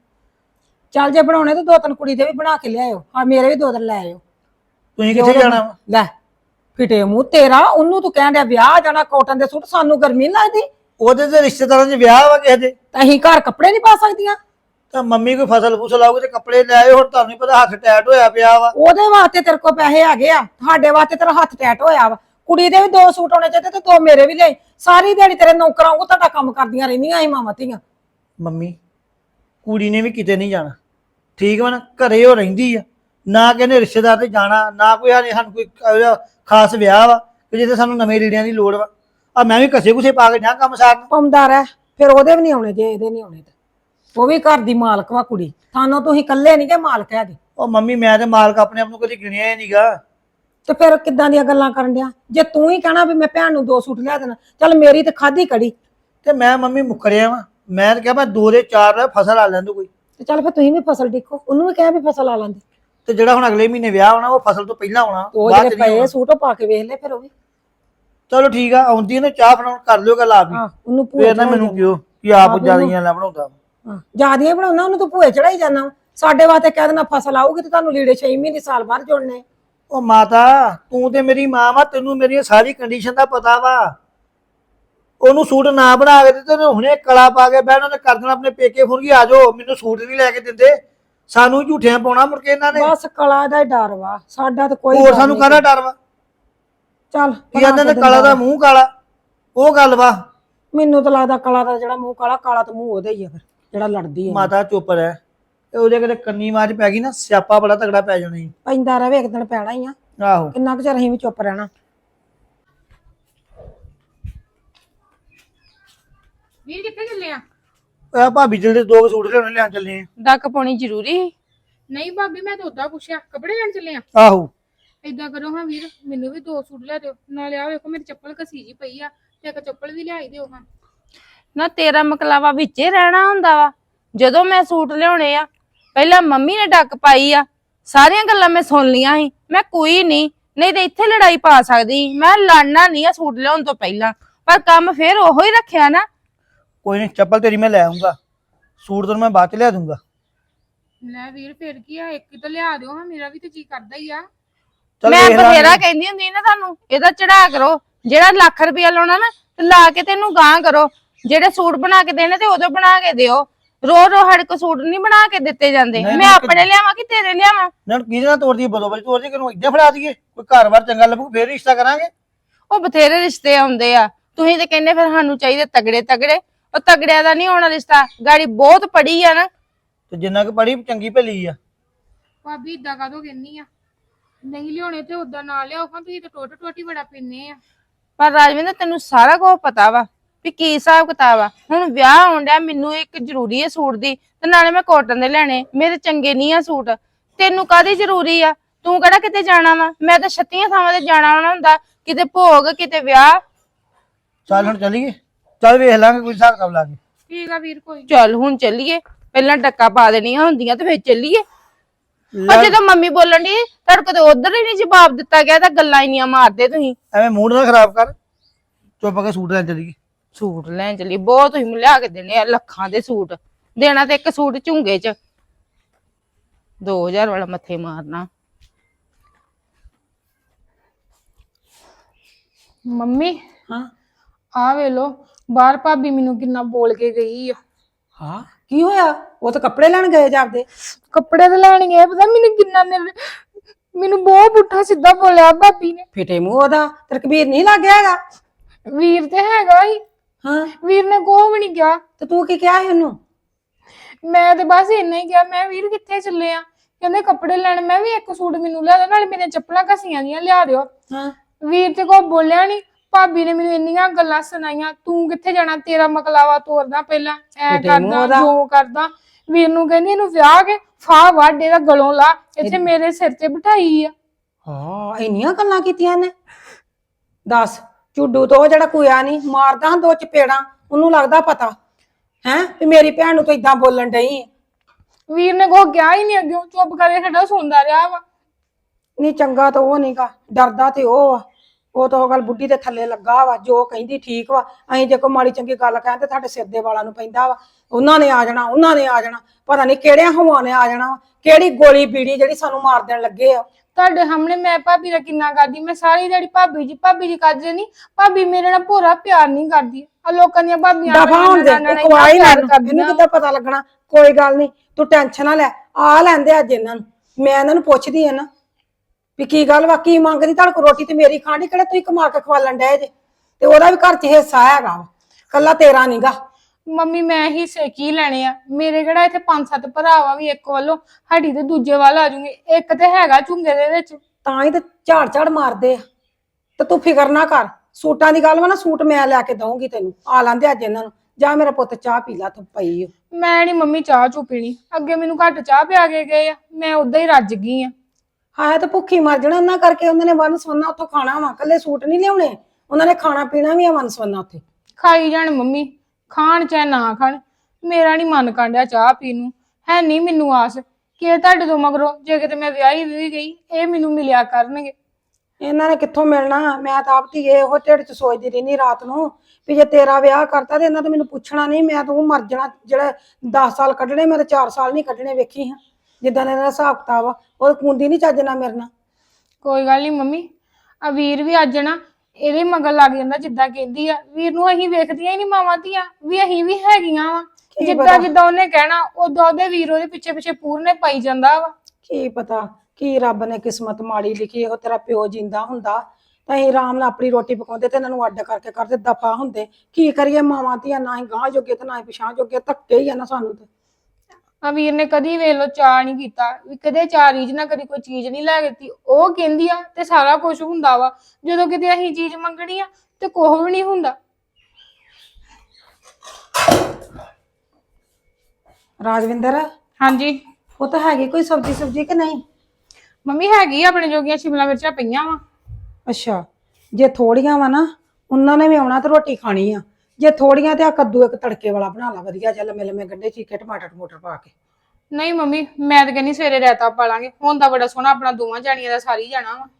B: ਚੱਲ ਜੇ ਬਣਾਉਣੇ ਤੇ ਦੋ ਤਿੰਨ ਕੁੜੀ ਦੇ ਵੀ ਬਣਾ ਕੇ ਲਿਆਇਓ, ਹਾਂ ਮੇਰੇ ਵੀ ਦੋ ਦਿਨ ਲੈ ਆਇਓ।
C: ਤੁਸੀਂ ਕਿੱਥੇ ਜਾਣਾ ਵਾ?
B: ਲੈ ਫਿਟੇ ਮੂੰਹ ਤੇਰਾ, ਉਹਨੂੰ ਤੂੰ ਕਹਿਣ ਡਿਆ ਵਿਆਹ ਜਾਣਾ ਕਾਟਨ ਦੇ ਸੂਟ, ਸਾਨੂੰ ਗਰਮੀ ਨੀ ਲੱਗਦੀ?
C: ਉਹਦੇ ਤੇ ਰਿਸ਼ਤੇਦਾਰਾਂ ਦੇ ਵਿਆਹ ਵਾ ਕਿਸੇ ਦੇ,
B: ਤਾਂ ਅਸੀਂ ਘਰ ਕੱਪੜੇ ਨਹੀਂ ਪਾ ਸਕਦੀਆਂ?
C: ਤਾਂ ਮੰਮੀ ਕੋਈ ਫਸਲ ਫੁਸਲ ਆਊਗੀ ਤੇ ਕੱਪੜੇ ਲੈ ਆਇਓ। ਹੁਣ ਤੁਹਾਨੂੰ ਪਤਾ ਹੱਥ ਟੈਟ ਹੋਇਆ ਪਿਆ ਵਾ।
B: ਉਹਦੇ ਵਾਸਤੇ ਤੇਰੇ ਕੋਲ ਪੈਸੇ ਹੈਗੇ ਆ, ਸਾਡੇ ਵਾਸਤੇ ਤੇਰਾ ਹੱਥ ਟੈਟ ਹੋਇਆ ਵਾ। ਕੁੜੀ ਦੇ ਵੀ ਦੋ ਸੂਟ ਹੋਣੇ ਚਾਹੀਦੇ ਤੇ ਦੋ ਮੇਰੇ ਵੀ ਲੈ। ਸਾਰੀ ਦਿਹਾੜੀ ਤੇਰੇ ਨੌਕਰਾਂ ਵਾਂਗੂ ਤੁਹਾਡਾ ਕੰਮ ਕਰਦੀਆਂ ਰਹਿੰਦੀਆਂ ਅਸੀਂ ਮਾਵਾਂ ਧੀਆਂ।
C: ਮੰਮੀ ਕੁੜੀ ਨੇ ਵੀ ਕਿਤੇ ਨਹੀਂ ਜਾਣਾ, ਠੀਕ ਵਾ ਨਾ, ਘਰੇ ਉਹ ਰਹਿੰਦੀ ਆ। ਨਾ ਕਹਿੰਦੇ ਰਿਸ਼ਤੇਦਾਰ ਤੇ ਜਾਣਾ, ਨਾ ਕੋਈ ਹਾਲੇ ਸਾਨੂੰ ਕੋਈ ਇਹੋ ਜਿਹਾ ਖਾਸ ਵਿਆਹ ਵਾ ਕਿ ਜਿੱਥੇ ਸਾਨੂੰ ਨਵੇਂ ਲੀੜਿਆਂ ਦੀ ਲੋੜ ਵਾ। ਆ ਮੈਂ ਵੀ ਘਸੇ ਘੁਸੇ ਪਾ ਕੇ ਜਾ ਕੰਮ ਸਾਰਨ।
B: ਪਾਉਂਦਾ ਰਹਿ, ਫਿਰ ਉਹਦੇ ਵੀ ਨਹੀਂ ਆਉਣੇ ਜੇ ਇਹਦੇ ਨਹੀਂ ਆਉਣੇ ਤੇ। ਉਹ ਵੀ ਘਰ ਦੀ ਮਾਲਕ ਵਾ ਕੁੜੀ, ਤੁਹਾਨੂੰ ਤੁਸੀਂ ਇਕੱਲੇ ਨਹੀਂ ਕਿ ਮਾਲਕ ਹੈਗੇ।
C: ਉਹ ਮੰਮੀ ਮੈਂ ਤੇ ਮਾਲਕ ਆਪਣੇ ਆਪ ਨੂੰ ਕਦੀ ਗਿਣਿਆ ਹੀ ਨਹੀਂਗਾ।
B: ਤੇ ਫਿਰ ਕਿੱਦਾਂ ਦੀਆਂ ਗੱਲਾਂ ਕਰਨ ਡਿਆ? ਜੇ ਤੂੰ ਹੀ ਕਹਿਣਾ ਵੀ ਮੈਂ ਭੈਣ ਨੂੰ ਦੋ ਸੂਟ ਲਿਆ ਦੇਣਾ, ਚੱਲ ਮੇਰੀ ਤੇ ਖਾਧੀ ਕੜੀ।
C: ਤੇ ਮੈਂ ਮੰਮੀ ਮੁੱਕਰਿਆ ਵਾ। ਮੈਂ ਤਾਂ ਕਿਹਾ ਮੈਂ ਦੋ ਦੇ ਚਾਰ ਫਸਲ ਆ ਲੈਂਦੂ ਕੋਈ।
B: ਤੇ ਚੱਲ ਫਿਰ ਤੁਸੀਂ ਵੀ ਫਸਲ ਦੇਖੋ, ਉਹਨੂੰ ਵੀ ਕਹਿ ਵੀ ਫਸਲ ਆ ਲੈਂਦੇ।
C: ਤੇ ਜਿਹੜਾ ਹੁਣ ਅਗਲੇ ਮਹੀਨੇ ਵਿਆਹ ਹੋਣਾ ਉਹ ਫਸਲ ਤੋਂ ਪਹਿਲਾਂ ਆਉਣਾ,
B: ਉਹ
C: ਬਾਅਦ
B: ਜਿਹੜੇ
C: ਚ ਨਹੀਂ
B: ਪਏ
C: ਆਉਣਾ।
B: ਸੂਟ ਉਹ ਪਾ ਕੇ ਵੇਖ ਲੈ ਫਿਰ ਉਹ ਵੀ।
C: ਚਲੋ ਠੀਕ ਆ, ਆਉਂਦੀ ਇਹਨੇ ਚਾਹ ਬਣਾਉਣ ਕਰ ਲਿਓ ਗੱਲ ਆਪ ਹੀ।
B: ਹਾਂ ਉਹਨੂੰ ਭੂਏ
C: ਫੇਰ ਨਾ ਮੈਨੂੰ ਕਿਉਂ ਕਿ ਆਪ ਜਿਆਦੀਆਂ ਲੈ ਬਣਾਉਂਦਾ।
B: ਹਾਂ ਜਿਆਦੀਆਂ ਬਣਾਉਣਾ ਉਹਨੂੰ ਤੂੰ ਭੂਏ ਚੜਾਈ ਜਾਣਾ। ਸਾਡੇ ਵਾਸਤੇ ਕਹਿ ਦੇਣਾ ਫਸਲ ਆਊਗੀ ਤੇ ਤੁਹਾਨੂੰ ਲੀੜੇ ਛੇ ਮਹੀਨੇ ਸਾਲ ਬਾਅਦ ਜੋੜਨੇ।
C: ਉਹ ਮਾਤਾ ਤੂੰ ਤੇ ਮੇਰੀ ਮਾਂ ਵਾ, ਤੈਨੂੰ ਮੇਰੀ ਸਾਰੀ ਕੰਡੀਸ਼ਨ ਦਾ ਪਤਾ ਵਾ। ਉਹਨੂੰ ਸੂਟ ਨਾ ਬਣਾ ਕੇ ਦਿੱਤੇ, ਹੁਣੇ ਕਲਾ ਪਾ ਕੇ ਬਹਿਣਾ, ਉਹਨੇ ਕਰ ਦੇਣਾ ਆਪਣੇ ਪੇਕੇ ਫੋਨ ਕੀ ਆ ਜਾਓ, ਮੈਨੂੰ ਸੂਟ ਨਹੀਂ ਲੈ ਕੇ ਦਿੰਦੇ। ਸਾਨੂੰ ਝੂਠਿਆਂ ਪਾਉਣਾ ਮੁੜ ਕੇ ਇਹਨਾਂ ਨੇ।
B: ਬਸ ਕਲਾ ਦਾ ਹੀ ਡਰ ਵਾ, ਸਾਡਾ ਤਾਂ ਕੋਈ
C: ਹੋਰ
B: ਡਰ
C: ਸਾਨੂੰ
B: ਨੀ।
C: ਕਾਹਦਾ ਡਰ ਵਾ?
B: ਚੱਲ
C: ਕੀ ਕਹਿੰਦੇ ਨੇ ਕਲਾ ਦਾ ਮੂੰਹ ਕਾਲਾ, ਉਹ ਗੱਲ ਵਾ।
B: ਮੈਨੂੰ ਤਾਂ ਲੱਗਦਾ ਕਲਾ ਦਾ ਜਿਹੜਾ ਮੂੰਹ ਕਾਲਾ, ਕਾਲਾ ਤਾਂ ਮੂੰਹ ਉਹਦਾ ਹੀ ਆ ਫਿਰ ਜਿਹੜਾ ਲੜਦੀ ਆ।
C: ਮਾਤਾ ਚੁੱਪ ਰਹਿ, ਤੇ ਉਹਦੇ ਕਿਤੇ ਕੰਨੀ ਮਾਰ ਪੈ ਗਈ ਨਾ ਸਿਆਪਾ ਬੜਾ ਤਗੜਾ ਪੈ ਜਾਣਾ ਸੀ।
B: ਪੈਂਦਾ ਰਵੇ, ਇੱਕ ਦਿਨ ਪੈਣਾ ਹੀ ਆ।
C: ਆਹੋ
B: ਕਿੰਨਾ ਕੁ ਚਿਰ ਅਸੀਂ ਵੀ ਚੁੱਪ ਰਹਿਣਾ।
A: ਵੀਰ ਕਿੱਥੇ ਚੱਲੇ ਆ?
C: ਆ ਭਾਬੀ ਜੀ ਦੇ ਦੋ ਕੁ ਸੂਟ ਲਿਆਉਣੇ ਲੈਣ ਚੱਲੇ ਆ।
D: ਡੱਕ ਪਾਉਣੀ ਜ਼ਰੂਰੀ ਸੀ।
A: ਨਹੀਂ ਭਾਬੀ ਮੈਂ ਤਾਂ ਉਦਾਂ ਪੁੱਛਿਆ, ਕੱਪੜੇ ਲੈਣ ਚੱਲੇ ਆ?
C: ਆਹੋ
A: ਏਦਾਂ ਕਰੋ ਹਾਂ ਵੀਰ, ਮੈਨੂੰ ਵੀ ਦੋ ਸੂਟ ਲੈ ਦਿਓ, ਨਾਲੇ ਆ ਵੇਖੋ ਮੇਰੀ ਚੱਪਲ ਘਸੀ ਜੀ ਪਈ ਆ, ਤੇ ਇੱਕ ਚੱਪਲ ਵੀ ਲਿਆਈ ਦਿਓ ਹਾਂ।
D: ਨਾ ਤੇਰਾ ਮਕਲਾਵਾ ਵਿੱਚੇ ਰਹਿਣਾ ਹੁੰਦਾ ਵਾ। ਜਦੋਂ ਮੈਂ ਸੂਟ ਲਿਆਉਣੇ ਆ ਪਹਿਲਾਂ ਮੰਮੀ ਨੇ ਡੱਕ ਪਾਈ ਆ, ਸਾਰੀਆਂ ਗੱਲਾਂ ਮੈਂ ਸੁਣ ਲੀਆਂ ਸੀ। ਮੈਂ ਕੋਈ ਨਹੀਂ ਨਹੀਂ ਤੇ ਇੱਥੇ ਲੜਾਈ ਪਾ ਸਕਦੀ। ਮੈਂ ਲੜਨਾ ਨਹੀਂ ਆ ਸੂਟ ਲਿਆਉਣ ਤੋਂ ਪਹਿਲਾਂ, ਪਰ ਕੰਮ ਫੇਰ ਉਹੋ ਹੀ ਰੱਖਿਆ ਨਾ।
C: ਕੋਈ ਨਹੀਂ, ਚੱਪਲ ਤੇਰੀ ਮੈਂ ਲੈ ਆਉਂਗਾ, ਸੂਟ ਤਾਂ ਮੈਂ ਬਾਅਦ ਚ ਲਿਆ ਦੂੰਗਾ।
A: ਲੈ ਵੀਰ ਫਿਰ ਕੀ ਆ, ਇੱਕ ਹੀ ਤਾਂ ਲਿਆ ਦਿਓ ਹਾਂ, ਮੇਰਾ ਵੀ ਤਾਂ ਜੀ ਕਰਦਾ ਹੀ ਆ।
C: ਚੱਲ
D: ਮੈਂ
C: ਵੇਖ ਲਾਂਗੇ।
D: ਬਥੇਰਾ ਕਹਿੰਦੀ ਹੁੰਦੀ ਨਾ ਤੁਹਾਨੂੰ, ਇਹਦਾ ਚੜਾ ਕਰੋ। ਜਿਹੜਾ ਲੱਖ ਰੁਪਇਆ ਲਾਉਣਾ ਨਾ ਤੇ ਲਾ ਕੇ ਤੈਨੂੰ ਗਾਂ ਕਰੋ। ਜਿਹੜੇ ਸੂਟ ਬਣਾ ਕੇ ਦੇਣੇ ਤੇ ਉਦੋਂ ਬਣਾ ਕੇ ਦਿਓ। ਰੋ ਰੋ ਸਾਡੇ ਕੋ ਸੂਟ ਨਹੀਂ ਬਣਾ ਕੇ ਦਿੱਤੇ ਜਾਂਦੇ।
C: ਨਹੀਂ,
D: ਮੈਂ
C: ਨਹੀਂ,
D: ਆਪਣੇ ਲਿਆਵਾਂ ਕਿ ਤੇਰੇ ਲਿਆਵਾਂ?
C: ਨਾ ਕਿਹਦੇ ਨਾਲ ਤੋੜਦੀ ਬਦੋ ਬਦੀ ਤੋੜਦੀ, ਕਿਨੂੰ ਇੱਦਾਂ ਫੜਾ ਦਈਏ? ਕੋਈ ਘਰ-ਬਾਰ ਚੰਗਾ ਲੱਭੂ ਫੇਰ ਰਿਸ਼ਤਾ ਕਰਾਂਗੇ।
D: ਉਹ ਬਥੇਰੇ ਰਿਸ਼ਤੇ ਆਉਂਦੇ ਆ, ਤੁਸੀਂ ਤੇ ਕਹਿੰਦੇ ਫਿਰ ਸਾਨੂੰ ਚਾਹੀਦੇ ਤਗੜੇ ਤਗੜੇ। ਉਹ ਤਗੜਿਆਂ ਦਾ ਨਹੀਂ ਹੋਣਾ ਰਿਸ਼ਤਾ। ਗਾੜੀ ਬਹੁਤ ਪੜੀ ਆ ਨਾ,
C: ਤੇ ਜਿੰਨਾ ਕੁ ਪੜੀ ਚੰਗੀ ਭਲੀ ਆ।
A: ਭਾਬੀ ਇਦਾਂ ਕਾਹਦੋਂ ਕਹਿੰਨੀ ਆ? ਨਹੀਂ ਲਿਆਉਣੇ ਤੇ ਉਦਾਂ ਨਾ ਲਿਆਓ ਹਾਂ, ਤੁਸੀਂ ਤਾਂ ਟੋਟ ਟੋਟੀ ਬੜਾ ਪੀਨੇ ਆ।
D: ਪਰ ਰਾਜਵਿੰਦਰ ਤੈਨੂੰ ਸਾਰਾ ਕੁਝ ਪਤਾ ਵਾ ਵੀ ਕੀ ਹਿਸਾਬ ਕਿਤਾਬ ਆ। ਹੁਣ ਵਿਆਹ ਆਉਣ ਡਿਆ, ਮੈਨੂੰ ਇੱਕ ਜ਼ਰੂਰੀ ਹੈ ਸੂਟ ਦੀ, ਤੇ ਨਾਲੇ ਮੈਂ ਕੋਟਨ ਦੇ ਲੈਣੇ। ਮੇਰੇ ਚੰਗੇ ਨਹੀਂ ਆ ਸੂਟ। ਤੈਨੂੰ ਕਾਹਦੀ ਜ਼ਰੂਰੀ ਆ? ਤੂੰ ਕਿਹੜਾ ਕਿਤੇ ਜਾਣਾ ਵਾ? ਮੈਂ ਤਾਂ ਛੱਤੀਆਂ ਥਾਵਾਂ ਤੇ ਜਾਣਾ ਆਉਣਾ ਹੁੰਦਾ, ਕਿਤੇ ਭੋਗ ਕਿਤੇ ਵਿਆਹ।
C: ਚੱਲ ਹੁਣ ਚੱਲੀਏ, ਚੱਲ ਵੇਖ ਲਾਂਗੇ ਕੋਈ ਹਿਸਾਬ ਕਿਤਾਬ ਲਾ ਕੇ।
A: ਠੀਕ ਆ ਵੀਰ, ਕੋਈ
D: ਚੱਲ ਹੁਣ ਚੱਲੀਏ। ਪਹਿਲਾਂ ਡੱਕਾ ਪਾ ਦੇਣੀਆਂ ਹੁੰਦੀਆਂ ਤੇ ਫਿਰ ਚੱਲੀਏ।
C: ਲੈ,
D: ਪਰ ਜਦੋਂ ਮੰਮੀ ਬੋਲਣ ਦੀ ਤੁਹਾਡੇ ਕੋਲ ਤੇ ਉਧਰ ਹੀ ਨਹੀਂ ਜਵਾਬ ਦਿੱਤਾ ਗਿਆ, ਤਾਂ ਗੱਲਾਂ ਇੰਨੀਆਂ ਮਾਰਦੇ ਤੁਸੀਂ।
C: ਐਵੇਂ ਮੂਡ ਨਾ ਖਰਾਬ ਕਰ, ਚੁੱਪ ਕੇ ਸੂਟ ਲੈਣ ਚੱਲੀਏ।
D: ਸੂਟ ਲੈਣ ਚੱਲੀ ਬਹੁਤ ਤੁਸੀਂ ਲਿਆ ਕੇ ਦੇਣੇ ਆ, ਲੱਖਾਂ ਦੇ ਸੂਟ ਦੇਣਾ ਤੇ ਇੱਕ ਸੂਟ ਝੁੰਗੇ ਚ ਦੋ ਹਜ਼ਾਰ ਵਾਲਾ ਮੱਥੇ ਮਾਰਨਾ।
A: ਮੰਮੀ
B: ਹਾਂ
A: ਆ ਵੇ ਲੋ, ਬਾਹਰ ਭਾਬੀ ਮੈਨੂੰ ਕਿੰਨਾ ਬੋਲ ਕੇ ਗਈ ਆ।
B: ਹਾਂ ਕੀ ਹੋਇਆ? ਉਹ ਤਾਂ ਕੱਪੜੇ ਲੈਣ ਗਏ ਜਾਂਦੇ।
A: ਕੱਪੜੇ ਤੇ ਲੈਣ ਗਏ, ਪਤਾ ਮੈਨੂੰ ਕਿੰਨਾ ਨੇ ਮੈਨੂੰ ਬਹੁਤ ਪੁੱਠਾ ਸਿੱਧਾ ਬੋਲਿਆ ਭਾਬੀ ਨੇ।
B: ਫਿੱਟੇ ਮੂੰਹ ਉਹਦਾ। ਤੇਰੇ ਕਬੀਰ ਨਹੀਂ ਲੱਗ ਗਿਆ ਹੈਗਾ?
A: ਵੀਰ ਤੇ ਹੈਗਾ ਹੀ,
B: ਹਾਂ
A: ਵੀਰ ਨੇ ਕੋਈ ਵੀ ਨਹੀਂ ਕਿਹਾ।
B: ਤੇ ਤੂੰ ਕੀ ਕਿਹਾ ਸੀ ਉਹਨੂੰ?
A: ਮੈਂ ਤੇ ਬਸ ਇੰਨਾ ਹੀ ਕਿਹਾ, ਮੈਂ ਵੀਰ ਕਿੱਥੇ ਚੱਲੇ ਆ? ਕਹਿੰਦੇ ਕੱਪੜੇ ਲੈਣ। ਮੈਂ ਵੀ ਇੱਕ ਸੂਟ ਮੈਨੂੰ ਲਿਆ ਦਿਓ, ਨਾਲੇ ਮੇਰੀਆਂ ਚੱਪਲਾਂ ਘਸੀਆਂ ਦੀਆਂ ਲਿਆ ਦਿਓ।
B: ਹਾਂ
A: ਵੀਰ ਤੇ ਕੋਈ ਬੋਲਿਆ ਨਹੀਂ। ਭਾਬੀ ਨੇ ਮੈਨੂੰ ਇੰਨੀਆਂ ਗੱਲਾਂ ਸੁਣਾਈਆਂ, ਤੂੰ ਕਿੱਥੇ ਜਾਣਾ, ਤੇਰਾ ਮਕਲਾਵਾ ਤੋਰਦਾ, ਪਹਿਲਾਂ ਐ
B: ਫਿੱਟੇ ਮੂੰਹ
A: ਕਰਦਾ
B: ਉਹਦਾ।
A: ਜੋ ਕਰਦਾ। ਵੀਰ ਨੂੰ ਕਹਿੰਦੀ ਇਹਨੂੰ ਵਿਆਹ ਕੇ ਫਾਹ ਵੱਢ ਇਹਦਾ ਗਲੋਂ ਲਾ, ਇੱਥੇ ਮੇਰੇ ਸਿਰ ਤੇ ਬਿਠਾਈ ਆ।
B: ਹਾਂ ਇੰਨੀਆਂ ਗੱਲਾਂ ਕੀਤੀਆਂ ਨੇ? ਦੱਸ, ਚੁੱਡੂ ਤੋਂ ਉਹ ਜਿਹੜਾ ਕੋਇਆ ਨਹੀਂ ਮਾਰਦਾ ਹਾਂ ਦੋ ਚਪੇੜਾਂ, ਉਹਨੂੰ ਲੱਗਦਾ ਪਤਾ ਹੈ ਵੀ ਮੇਰੀ ਭੈਣ ਨੂੰ ਤੂੰ ਇਦਾਂ ਬੋਲਣ ਡਈ।
A: ਵੀਰ ਨੇ ਕੋ ਕਿਹਾ ਹੀ ਨਹੀਂ, ਅੱਗੇ ਚੁੱਪ ਕਰਕੇ ਸਾਡਾ ਸੁਣਦਾ ਰਿਹਾ ਵਾ।
B: ਨਹੀਂ ਚੰਗਾ ਤਾਂ ਉਹ ਨਹੀਂਗਾ, ਡਰਦਾ ਤੇ ਉਹ ਆ। ਉਹ ਤਾਂ ਉਹ ਗੱਲ ਬੁੱਢੀ ਦੇ ਥੱਲੇ ਲੱਗਾ ਵਾ, ਜੋ ਕਹਿੰਦੀ ਠੀਕ ਵਾ। ਅਸੀਂ ਜੇ ਕੋਈ ਮਾੜੀ ਚੰਗੀ ਗੱਲ ਕਹਿੰਦੇ ਤੁਹਾਡੇ ਸਿਰ ਦੇ ਵਾਲਾਂ ਨੂੰ ਪੈਂਦਾ ਵਾ। ਉਹਨਾਂ ਨੇ ਆ ਜਾਣਾ, ਉਹਨਾਂ ਨੇ ਆ ਜਾਣਾ, ਪਤਾ ਨਹੀਂ ਕਿਹੜਿਆਂ ਹਵਾਂ ਨੇ ਆ ਜਾਣਾ ਵਾ, ਕਿਹੜੀ ਗੋਲੀ ਬੀੜੀ ਜਿਹੜੀ ਸਾਨੂੰ ਮਾਰ ਦੇਣ ਲੱਗੇ ਆ।
A: ਤੁਹਾਡੇ ਸਾਹਮਣੇ ਮੈਂ ਭਾਬੀ ਦਾ ਕਿੰਨਾ ਕਰਦੀ, ਮੈਂ ਸਾਰੀ ਦਿਹਾੜੀ ਭਾਬੀ ਜੀ ਭਾਬੀ ਜੀ ਕਰਦੇ ਨਹੀਂ। ਭਾਬੀ ਮੇਰੇ ਨਾਲ ਭੋਰਾ ਪਿਆਰ ਨਹੀਂ ਕਰਦੀ। ਆ ਲੋਕਾਂ ਦੀਆਂ ਭਾਬੀਆਂ
B: ਦਫਾ ਹੋਣ ਦੇ, ਕਵਾਈ ਨਾ ਇਹਨੂੰ ਕਿੱਦਾਂ ਪਤਾ ਲੱਗਣਾ। ਕੋਈ ਗੱਲ ਨਹੀਂ, ਤੂੰ ਟੈਨਸ਼ਨ ਨਾ ਲੈ, ਆ ਲੈਂਦੇ ਅੱਜ ਇਹਨਾਂ ਨੂੰ। ਮੈਂ ਇਹਨਾਂ ਨੂੰ ਪੁੱਛਦੀ ਆ ਨਾ ਵੀ ਕੀ ਗੱਲ ਵਾ, ਕੀ ਮੰਗਦੀ ਤੁਹਾਡੇ ਕੋਲ? ਰੋਟੀ ਤੇ ਮੇਰੀ ਖਾਣੀ, ਕਿਹੜਾ ਤੁਸੀਂ ਕਮਾ ਕੇ ਖਵਾਲਣ ਡਏ ਜੇ? ਤੇ ਉਹਦਾ ਵੀ ਘਰ 'ਚ ਹਿੱਸਾ ਹੈਗਾ ਵਾ, ਕੱਲਾ ਤੇਰਾ ਨਹੀਂਗਾ।
A: ਮੰਮੀ ਮੈਂ ਹੀ ਕੀ ਲੈਣੇ ਆ? ਮੇਰੇ ਕਿਹੜਾ ਇੱਥੇ ਪੰਜ ਸੱਤ ਭਰਾ ਵਾ, ਵੀ ਇੱਕ ਵੱਲੋਂ ਸਾਡੀ ਤੇ ਦੂਜੇ ਵੱਲ ਆ ਜੂਗੇ। ਇੱਕ ਤੇ ਹੈਗਾ ਝੁੰਗੇ ਦੇ ਵਿੱਚ।
B: ਤਾਂ ਹੀ ਤੇ ਝਾੜ ਝਾੜ ਮਾਰਦੇ ਆ। ਤੇ ਤੂੰ ਫਿਕਰ ਨਾ ਕਰ, ਸੂਟਾਂ ਦੀ ਗੱਲ ਵਾ ਨਾ, ਸੂਟ ਮੈਂ ਲੈ ਕੇ ਦਊਂਗੀ ਤੈਨੂੰ। ਆ ਲੈਂਦੇ ਅੱਜ ਇਹਨਾਂ ਨੂੰ। ਜਾ ਮੇਰਾ ਪੁੱਤ ਚਾਹ ਪੀ ਲਾ, ਤੂੰ ਪਈ ਓ।
A: ਮੈਂ ਨੀ ਮੰਮੀ ਚਾਹ ਚੂ ਪੀਣੀ, ਅੱਗੇ ਮੈਨੂੰ ਘੱਟ ਚਾਹ ਪਿਆ ਕੇ ਗਏ ਆ, ਮੈਂ ਉਦਾਂ ਹੀ ਰੱਜ ਗਈ ਆ।
B: ਹਾਂ ਤੇ ਭੁੱਖੀ ਮਰ ਜਾਣਾ ਉਹਨਾਂ ਕਰਕੇ। ਉਹਨਾਂ ਨੇ ਵੰਨ ਸਵੰਨਾ ਉੱਥੋਂ ਖਾਣਾ ਵਾ, ਕੱਲੇ ਸੂਟ ਨਹੀਂ ਲਿਆਉਣੇ। ਉਹਨਾਂ ਨੇ ਖਾਣਾ ਪੀਣਾ ਵੀ ਆ ਵੰਨ ਸਵੰਨਾ ਉੱਥੇ।
A: ਖਾਈ ਜਾਣ ਮੰਮੀ, ਖਾਣ ਚਾਹੇ ਨਾ ਖਾਣ, ਮੇਰਾ ਨੀ ਮਨ ਕਾਂਡਿਆ ਚਾਹ ਪੀਣ ਨੂੰ। ਹੈ ਨਹੀਂ ਮੈਨੂੰ ਆਸ ਕਿ ਤੁਹਾਡੇ ਤੋਂ ਮਗਰੋਂ ਜੇ ਕਿਤੇ ਮੈਂ ਵਿਆਹੀ ਵੀ ਗਈ, ਇਹ ਮੈਨੂੰ ਮਿਲਿਆ ਕਰਨਗੇ।
B: ਇਹਨਾਂ ਨੇ ਕਿੱਥੋਂ ਮਿਲਣਾ? ਮੈਂ ਤਾਂ ਆਪ ਧੀਏ ਉਹ ਢਿੱਡ 'ਚ ਸੋਚਦੀ ਰਹਿੰਦੀ ਰਾਤ ਨੂੰ ਵੀ ਜੇ ਤੇਰਾ ਵਿਆਹ ਕਰਤਾ ਤੇ ਇਹਨਾਂ ਤਾਂ ਮੈਨੂੰ ਪੁੱਛਣਾ ਨਹੀਂ, ਮੈਂ ਤਾਂ ਉਹ ਮਰ ਜਾਣਾ। ਜਿਹੜੇ ਦਸ ਸਾਲ ਕੱਢਣੇ, ਮੇਰੇ ਚਾਰ ਸਾਲ ਨਹੀਂ ਕੱਢਣੇ। ਵੇਖੀ ਹਾਂ ਜਿੱਦਾਂ ਇਹਨਾਂ ਦਾ ਹਿਸਾਬ ਕਿਤਾਬ ਆ, ਉਹ ਕੁੰਦੀ ਨਹੀਂ ਚੱਜਣਾ ਮੇਰੇ ਨਾਲ।
A: ਕੋਈ ਗੱਲ ਨਹੀਂ ਮੰਮੀ, ਆ ਵੀਰ ਵੀ ਅੱਜ ਨਾ ਇਹਦੇ ਮਗਰ ਲੱਗ ਜਾਂਦਾ ਜਿੱਦਾਂ ਕਹਿੰਦੀ ਆ। ਵੀਰ ਨੂੰ ਅਸੀਂ ਵੇਖਦੀਆਂ ਹੀ ਨਹੀਂ ਮਾਵਾਂ ਧੀਆਂ, ਵੀ ਅਸੀਂ ਵੀ ਹੈਗੀਆਂ ਵਾ। ਜਿੱਦਾਂ ਜਿੱਦਾਂ ਉਹਨੇ ਕਹਿਣਾ ਉਦਾਂ ਉਹਦੇ ਵੀਰ ਉਹਦੇ ਪਿੱਛੇ ਪਿੱਛੇ ਪੂਰਨੇ ਪਾਈ ਜਾਂਦਾ ਵਾ।
B: ਕੀ ਪਤਾ ਕੀ ਰੱਬ ਨੇ ਕਿਸਮਤ ਮਾੜੀ ਲਿਖੀ। ਇਹੋ ਤੇਰਾ ਪਿਓ ਜਿੰਦਾ ਹੁੰਦਾ ਤਾਂ ਅਸੀਂ ਆਰਾਮ ਨਾਲ ਆਪਣੀ ਰੋਟੀ ਪਕਾਉਂਦੇ ਤੇ ਇਹਨਾਂ ਨੂੰ ਅੱਡ ਕਰਕੇ ਕਰਦੇ ਦਫਾ ਹੁੰਦੇ। ਕੀ ਕਰੀਏ ਮਾਵਾਂ ਧੀਆਂ, ਨਾ ਹੀ ਗਾਂਹ ਜੋਗੇ ਤੇ ਨਾ ਹੀ ਪਿਛਾਂ ਜੋਗੇ। ਧੱਕੇ ਹੀ ਆ ਨਾ ਸਾਨੂੰ ਤੇ।
A: ਆ ਵੀਰ ਨੇ ਕਦੀ ਵੇਖ ਲੋ ਚਾਹ ਨਹੀਂ ਕੀਤਾ ਵੀ ਕਦੇ ਚਾਹ ਰੀਝ ਨਾ ਕਦੀ ਕੋਈ ਚੀਜ਼ ਨਹੀਂ ਲੈ ਕੇ ਦਿੱਤੀ। ਉਹ ਕਹਿੰਦੀ ਆ ਤੇ ਸਾਰਾ ਕੁਝ ਹੁੰਦਾ ਵਾ, ਜਦੋਂ ਕਿਤੇ ਅਸੀਂ ਚੀਜ਼ ਮੰਗਣੀ ਆ ਤੇ ਕੁਝ ਵੀ ਨਹੀਂ ਹੁੰਦਾ।
B: ਰਾਜਵਿੰਦਰ,
A: ਹਾਂਜੀ
B: ਉਹ ਤਾਂ ਹੈਗੀ ਕੋਈ ਸਬਜ਼ੀ ਸਬਜ਼ੀ ਕਿ ਨਹੀਂ?
A: ਮੰਮੀ ਹੈਗੀ ਆ ਆਪਣੇ ਜੋਗੀਆਂ ਸ਼ਿਮਲਾ ਮਿਰਚਾਂ ਪਈਆਂ ਵਾ।
B: ਅੱਛਾ, ਜੇ ਥੋੜੀਆਂ ਵਾ ਨਾ ਉਹਨਾਂ ਨੇ ਵੀ ਆਉਣਾ ਤੇ ਰੋਟੀ ਖਾਣੀ ਆ। ਜੇ ਥੋੜੀਆਂ ਤੇ ਆ ਕੱਦੂ ਇੱਕ ਤੜਕੇ ਵਾਲਾ ਬਣਾ ਲਾ ਵਧੀਆ ਚੱਲ ਮਿਲ ਮੇ ਗੰਢੇ ਚੀਕੇ ਟਮਾਟਰ ਟਮੂਟਰ ਪਾ ਕੇ।
A: ਨਹੀਂ ਮੰਮੀ ਮੈਂ ਤਾਂ ਕਹਿੰਦੀ ਸਵੇਰੇ ਰਾਇਤਾ ਪਾ ਲਾਂਗੇ, ਹੁਣ ਤਾਂ ਬੜਾ ਸੋਹਣਾ ਆਪਣਾ ਦੋਵਾਂ ਜਾਣੀਆਂ ਦਾ ਸਾਰੀ ਜਾਣਾ ਵਾ।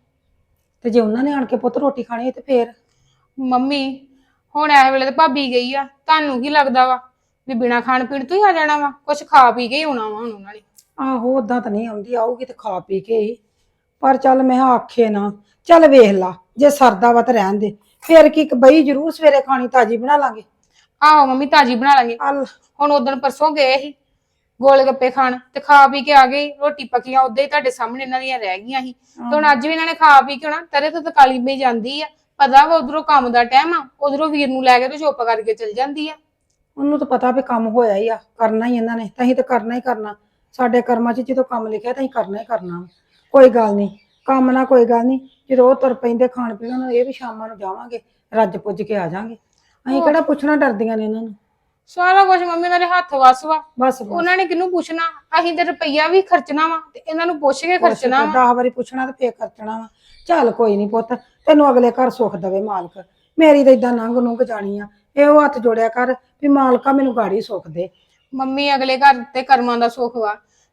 B: ਤੇ ਜੇ ਉਹਨਾਂ ਨੇ ਆਣ ਕੇ ਪੁੱਤ ਰੋਟੀ ਖਾਣੀ ਤੇ ਫੇਰ?
A: ਮੰਮੀ ਹੁਣ ਇਸ ਵੇਲੇ ਤੇ ਭਾਬੀ ਗਈ ਆ, ਤੁਹਾਨੂੰ ਕੀ ਲੱਗਦਾ ਵਾ ਵੀ ਬਿਨਾ ਖਾਣ ਪੀਣ ਤੋਂ ਹੀ ਆ ਜਾਣਾ ਵਾ? ਕੁਛ ਖਾ ਪੀ ਕੇ ਹੀ ਆਉਣਾ ਵਾ ਹੁਣ ਉਹਨਾਂ ਨੇ।
B: ਆਹੋ ਓਦਾਂ ਤਾਂ ਨਹੀਂ ਆਉਂਦੀ, ਆਊਗੀ ਤੇ ਖਾ ਪੀ ਕੇ ਹੀ। ਪਰ ਚੱਲ ਮੈਂ ਕਿਹਾ ਆਖੇ ਨਾ, ਚੱਲ ਵੇਖ ਲਾ ਜੇ ਸਰਦਾ ਵਾ ਤਾਂ ਰਹਿਣ ਦੇ, ਫੇਰ ਕੀ ਇੱਕ ਬਈ ਜ਼ਰੂਰ ਸਵੇਰੇ ਖਾਣੀ ਤਾਜੀ ਬਣਾ ਲਾਂਗੇ।
A: ਆਹੋ ਮੰਮੀ ਤਾਜੀ ਬਣਾ ਲਾਂਗੇ।
B: ਚੱਲ
A: ਹੁਣ ਉਦੋਂ ਪਰਸੋਂ ਗਏ ਸੀ ਗੋਲ ਗੱਪੇ ਖਾਣ ਤੇ ਖਾ ਪੀ ਕੇ ਆ ਗਏ, ਰੋਟੀ ਪੱਕੀਆਂ ਉਦਾਂ ਹੀ ਤੁਹਾਡੇ ਸਾਹਮਣੇ ਇਹਨਾਂ ਦੀਆਂ ਰਹਿ ਗਈਆਂ ਸੀ। ਤੇ ਹੁਣ ਅੱਜ ਵੀ ਇਹਨਾਂ ਨੇ ਖਾ ਪੀ ਕੇ ਆਉਣਾ, ਤਰੇ ਤੋਂ ਤਕਾਲੀ ਪਈ ਜਾਂਦੀ ਆ। ਪਤਾ ਵਾ ਉਧਰੋਂ ਕੰਮ ਦਾ ਟਾਈਮ ਆ, ਉਧਰੋਂ ਵੀਰ ਨੂੰ ਲੈ ਕੇ ਤੇ ਚੁੱਪ ਕਰਕੇ ਚਲ ਜਾਂਦੀ ਆ।
B: ਉਹਨੂੰ ਤਾਂ ਪਤਾ ਵੀ ਕੰਮ ਹੋਇਆ ਹੀ ਆ, ਕਰਨਾ ਹੀ ਇਹਨਾਂ ਨੇ, ਤਾਂ ਅਸੀਂ ਤਾਂ ਕਰਨਾ ਹੀ ਕਰਨਾ। ਸਾਡੇ ਕਰਮਾਂ 'ਚ ਜਦੋਂ ਕੰਮ ਲਿਖਿਆ ਤਾਂ ਅਸੀਂ ਕਰਨਾ ਹੀ ਕਰਨਾ। ਕੋਈ ਗੱਲ ਨਹੀਂ, ਕੰਮ ਨਾ ਕੋਈ ਗੱਲ ਨਹੀਂ, ਜਦੋਂ ਉਹ ਤੁਰ ਪੈਂਦੇ ਖਾਣ ਪੀਣ ਨੂੰ ਇਹ ਵੀ ਸ਼ਾਮਾਂ ਨੂੰ ਜਾਵਾਂਗੇ, ਰੱਜ ਪੁੱਜ ਕੇ ਆ ਜਾਾਂਗੇ। ਅਸੀਂ ਕਿਹੜਾ ਪੁੱਛਣਾ ਡਰਦੀਆਂ ਨੇ ਇਹਨਾਂ ਨੂੰ।
A: ਸਾਰਾ ਕੁਝ ਮੰਮੀ ਉਹਨਾਂ ਦੇ ਹੱਥ ਵੱਸ ਵਾ,
B: ਬਸ
A: ਉਹਨਾਂ ਨੇ ਕਿਹਨੂੰ ਪੁੱਛਣਾ? ਅਸੀਂ ਤੇ ਰੁਪਈਆ ਵੀ ਖਰਚਣਾ ਵਾ ਤੇ ਇਹਨਾਂ ਨੂੰ ਪੁੱਛ ਕੇ ਖਰਚਣਾ ਵਾ।
B: ਦਸ ਵਾਰੀ ਪੁੱਛਣਾ ਤੇ ਫੇਰ ਖਰਚਣਾ ਵਾ। ਚੱਲ ਕੋਈ ਨਹੀਂ ਪੁੱਤ, ਤੈਨੂੰ ਅਗਲੇ ਘਰ ਸੁੱਖ ਦੇਵੇ ਮਾਲਕ। ਮੇਰੀ ਤਾਂ ਏਦਾਂ ਨੰਗ ਨੁੰਗ ਜਾਣੀ ਆ, ਇਹੋ ਹੱਥ ਜੋੜਿਆ ਕਰ ਵੀ ਮਾਲਕਾ ਮੈਨੂੰ ਗਾੜੀ ਸੁੱਖ ਦੇ।
A: ਮੰਮੀ ਅਗਲੇ ਘਰ ਤੇ ਕਰਮਾਂ ਦਾ ਸੁੱਖ ਵਾ,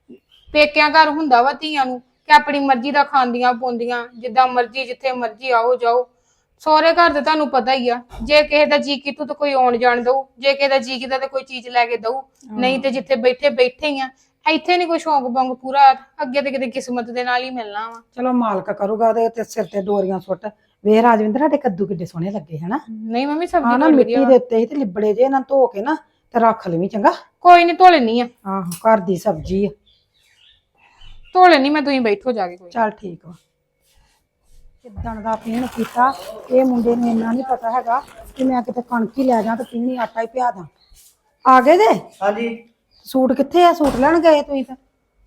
A: ਪੇਕਿਆਂ ਘਰ ਹੁੰਦਾ ਵਾ ਧੀਆਂ ਨੂੰ ਕਿ ਆਪਣੀ ਮਰਜ਼ੀ ਦਾ ਖਾਂਦੀਆਂ ਪਾਉਂਦੀਆਂ, ਜਿੱਦਾਂ ਮਰਜ਼ੀ ਜਿੱਥੇ ਮਰਜ਼ੀ ਆਓ ਜਾਓ। ਸਹੁਰੇ ਘਰ ਤੇ ਤੁਹਾਨੂੰ ਪਤਾ ਹੀ ਆ, ਜੇ ਕਿਸੇ ਦਾ ਜੀ ਕੀਤਾ ਤਾਂ ਕੋਈ ਆਉਣ ਜਾਣ ਦਊ, ਜੇ ਕਿਸੇ ਦਾ ਜੀ ਕੀਤਾ ਤਾਂ ਕੋਈ ਚੀਜ਼ ਲੈ ਕੇ ਦਊ, ਨਹੀਂ ਤੇ ਜਿੱਥੇ ਬੈਠੇ ਬੈਠੇ ਹੀ ਆ। ਇੱਥੇ ਨਹੀਂ ਕੋਈ ਸ਼ੌਂਕ ਬੰਗ ਪੂਰਾ, ਅੱਗੇ ਤੇ ਕਿਤੇ ਕਿਸਮਤ ਦੇ ਨਾਲ ਹੀ ਮਿਲਣਾ ਵਾ।
B: ਚਲੋ ਮਾਲਕ ਕਰੂਗਾ ਉਹਦੇ ਤੇ ਸਿਰ ਤੇ ਡੋਰੀਆਂ ਸੁੱਟ। ਵੇਖ ਰਾਜਵਿੰਦਰ, ਸਾਡੇ ਕੱਦੂ ਕਿੱਡੇ ਸੋਹਣੇ ਲੱਗੇ ਹਨਾ।
A: ਨਹੀਂ ਮੰਮੀ
B: ਹਾਂ
A: ਸਬਜ਼ੀ
B: ਨਾ,
A: ਬੜੀ
B: ਮਿੱਟੀ
A: ਵਧੀਆ
B: ਦੇ ਉੱਤੇ ਹੀ ਤੇ ਲਿਬੜੇ ਜੇ, ਇਹਨਾਂ ਧੋ ਕੇ ਨਾ ਤੇ ਰੱਖ ਲਵੀਂ ਚੰਗਾ।
A: ਕੋਈ ਨਹੀਂ ਧੋ ਲੈਣੀ ਆ,
B: ਆਹੋ ਘਰ ਦੀ ਸਬਜ਼ੀ ਆ।
A: ਧੋ ਲੈਣੀ ਮੈਂ, ਤੁਸੀਂ ਬੈਠੋ ਜਾ ਕੇ। ਕੋਈ
B: ਚੱਲ ਠੀਕ ਵਾ। ਕਿੱਦਣ ਦਾ ਪੀਣ ਕੀਤਾ, ਇਹ ਮੁੰਡੇ ਨੂੰ ਇੰਨਾ ਨਹੀਂ ਪਤਾ ਹੈਗਾ ਕਿ ਮੈਂ ਕਿਤੇ ਕਣਕ ਹੀ ਲੈ ਜਾ ਤੇ ਪੀਣੀ ਆਟਾ ਹੀ ਪਿਆ ਦਾਂ। ਆ ਗਏ ਜੇ?
C: ਹਾਂਜੀ।
B: ਸੂਟ ਕਿੱਥੇ ਆ? ਸੂਟ ਲੈਣ ਗਏ ਤੁਸੀਂ ਤਾਂ?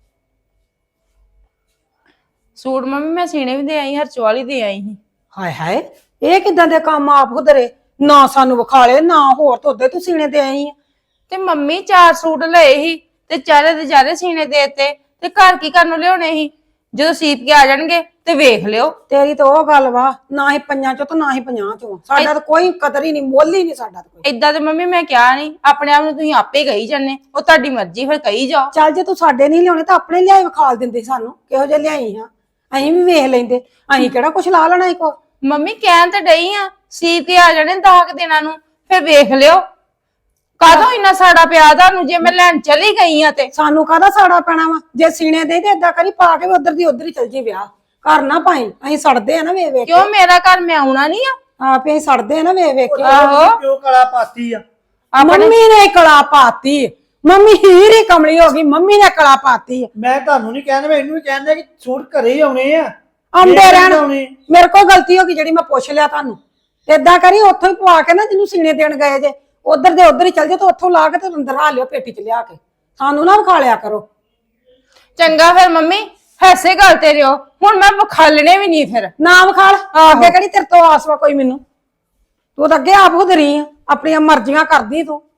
D: ਸੂਟ ਮੰਮੀ ਮੈਂ ਸੀਨੇ ਵੀ ਦੇ ਆਈ, ਹਰਚੋ ਵਾਲੀ ਦੇ ਆਈ ਸੀ।
B: ਹਾਏ ਹਾਏ, ਇਹ ਕਿੱਦਾਂ ਦੇ ਕੰਮ ਆਪ ਹੁਦਰੇ, ਨਾ ਸਾਨੂੰ ਵਿਖਾਲੇ ਨਾ ਹੋਰ ਤੋਦੇ ਤੂੰ ਸੀਨੇ ਤੇ ਆਈ ਆ।
D: ਤੇ ਮੰਮੀ ਚਾਰ ਸੂਟ ਲਏ ਸੀ ਤੇ ਚਾਰੇ ਦੇ ਚਾਰੇ ਸੀਨੇ ਦੇਤੇ, ਤੇ ਘਰ ਕੀ ਕਰਨ ਨੂੰ ਲਿਆਉਣੇ ਸੀ? ਜਦੋਂ ਸੀਤ ਕੇ ਆ ਜਾਣਗੇ ਤੇ ਵੇਖ ਲਿਓ।
B: ਤੇਰੀ ਤਾਂ ਉਹ ਗੱਲ ਵਾ, ਨਾ ਹੀ ਪੰਜਾਂ ਚੋਂ ਤੇ ਨਾ ਹੀ ਪੰਜਾਹ ਚੋਂ। ਸਾਡਾ ਤਾਂ ਕੋਈ ਕਦਰ ਹੀ ਨਹੀਂ, ਮੁੱਲ ਹੀ ਨਹੀਂ ਸਾਡਾ ਤਾਂ ਕੋਈ।
D: ਏਦਾਂ ਤੇ ਮੰਮੀ ਮੈਂ ਕਿਹਾ ਨਹੀਂ, ਆਪਣੇ ਆਪ ਨੂੰ ਤੁਸੀਂ ਆਪੇ ਕਹੀ ਜਾਂਦੇ, ਉਹ ਤੁਹਾਡੀ ਮਰਜ਼ੀ, ਫਿਰ ਕਹੀ ਜਾਓ।
B: ਚੱਲ ਜੇ ਤੂੰ ਸਾਡੇ ਨਹੀਂ ਲਿਆਉਣੇ ਤਾਂ ਆਪਣੇ ਲਿਆਏ ਵਿਖਾਲ ਦਿੰਦੇ ਸਾਨੂੰ, ਕਿਹੋ ਜਿਹੇ ਲਿਆਈ ਹਾਂ। ਅਸੀਂ ਵੀ ਵੇਖ ਲੈਂਦੇ, ਅਸੀਂ ਕਿਹੜਾ ਕੁਛ ਲਾ ਲੈਣਾ ਕੋ।
D: ਮੰਮੀ ਕਹਿਣ ਤੇ ਡਈ ਆ, ਸੀਤ ਕੇ ਆ ਜਾਣੇ ਦਸ ਕੁ ਦਿਨਾਂ ਨੂੰ, ਫਿਰ ਵੇਖ ਲਿਓ। ਕਾਹਦੋਂ ਇੰਨਾ ਸਾੜਾ ਪਿਆ ਤੁਹਾਨੂੰ? ਜੇ ਮੈਂ ਲੈਣ ਚਲੀ ਗਈ ਆ ਤੇ
B: ਸਾਨੂੰ ਕਾਹਦਾ ਸਾੜਾ ਪੈਣਾ ਵਾ? ਜੇ ਸੀਨੇ ਦੇ ਤੇ ਏਦਾਂ ਕਰੀ ਪਾ ਕੇ ਉਧਰ ਦੀ ਉਧਰ ਹੀ ਚਲ ਜੀ ਵਿਆਹ। ਘਰ ਨਾ ਪਾਈ, ਅਸੀਂ ਸੜਦੇ ਆ ਨਾ ਵੇਖ ਵੇਖ
D: ਕਿਉਂ? ਮੇਰਾ ਘਰ ਮੈਂ ਆਉਣਾ ਨਹੀਂ ਆ?
B: ਆਪੇ ਅਸੀਂ ਸੜਦੇ ਆ ਨਾ ਵੇਖ ਵੇਖ ਕੇ।
D: ਆਹੋ।
C: ਕਿਉਂ ਕਲਾ ਪਾਤੀ ਆ?
B: ਮੰਮੀ ਨੇ ਕਲਾ ਪਾਤੀ, ਮੰਮੀ ਹੀਰ ਹੀ ਕਮਲੀ ਹੋ ਗਈ, ਮੰਮੀ ਨੇ ਕਲਾ ਪਾਤੀ।
C: ਮੈਂ ਤੁਹਾਨੂੰ ਨਹੀਂ ਕਹਿੰਦਾ, ਮੈਂ ਇਹਨੂੰ ਵੀ ਕਹਿੰਦਾ ਕਿ ਸੂਟ ਘਰੇ ਹੀ ਆਉਣੇ ਆ,
B: ਆਉਂਦੇ ਰਹਿਣ।
C: ਆਉਣੇ।
B: ਮੇਰੇ ਕੋਲ ਗਲਤੀ ਹੋ ਗਈ ਜਿਹੜੀ ਮੈਂ ਪੁੱਛ ਲਿਆ ਤੁਹਾਨੂੰ। ਏਦਾਂ ਕਰੀ ਉੱਥੋਂ ਹੀ ਪਵਾ ਕੇ ਨਾ, ਜਿਹਨੂੰ ਸੀਨੇ ਦੇਣ ਗਏ ਜੇ ਉਧਰ ਦੇ ਉਧਰ ਹੀ ਚਲ ਜਾ, ਤੇ ਉੱਥੋਂ ਲਾ ਕੇ ਤੇ ਅੰਦਰ ਆ ਲਿਓ ਪੇਟੀ ਚ ਲਿਆ ਕੇ। ਸਾਨੂੰ ਨਾ ਵਿਖਾ ਲਿਆ ਕਰੋ।
D: ਚੰਗਾ ਫਿਰ ਮੰਮੀ, ਐਸੇ ਗੱਲ ਤੇ ਰਿਓ, ਹੁਣ ਮੈਂ ਵਿਖਾਲਣੇ ਵੀ ਨਹੀਂ। ਫਿਰ
B: ਨਾ ਵਿਖਾਲ, ਅੱਗੇ ਕਿਹੜੀ ਤੇਰੇ ਤੋਂ ਆਸ ਵਾ ਕੋਈ ਮੈਨੂੰ? ਤੂੰ ਤਾਂ ਅੱਗੇ ਆਪ ਹੁਦਰੀ ਆ, ਆਪਣੀਆਂ ਮਰਜ਼ੀਆਂ ਕਰਦੀ ਤੂੰ।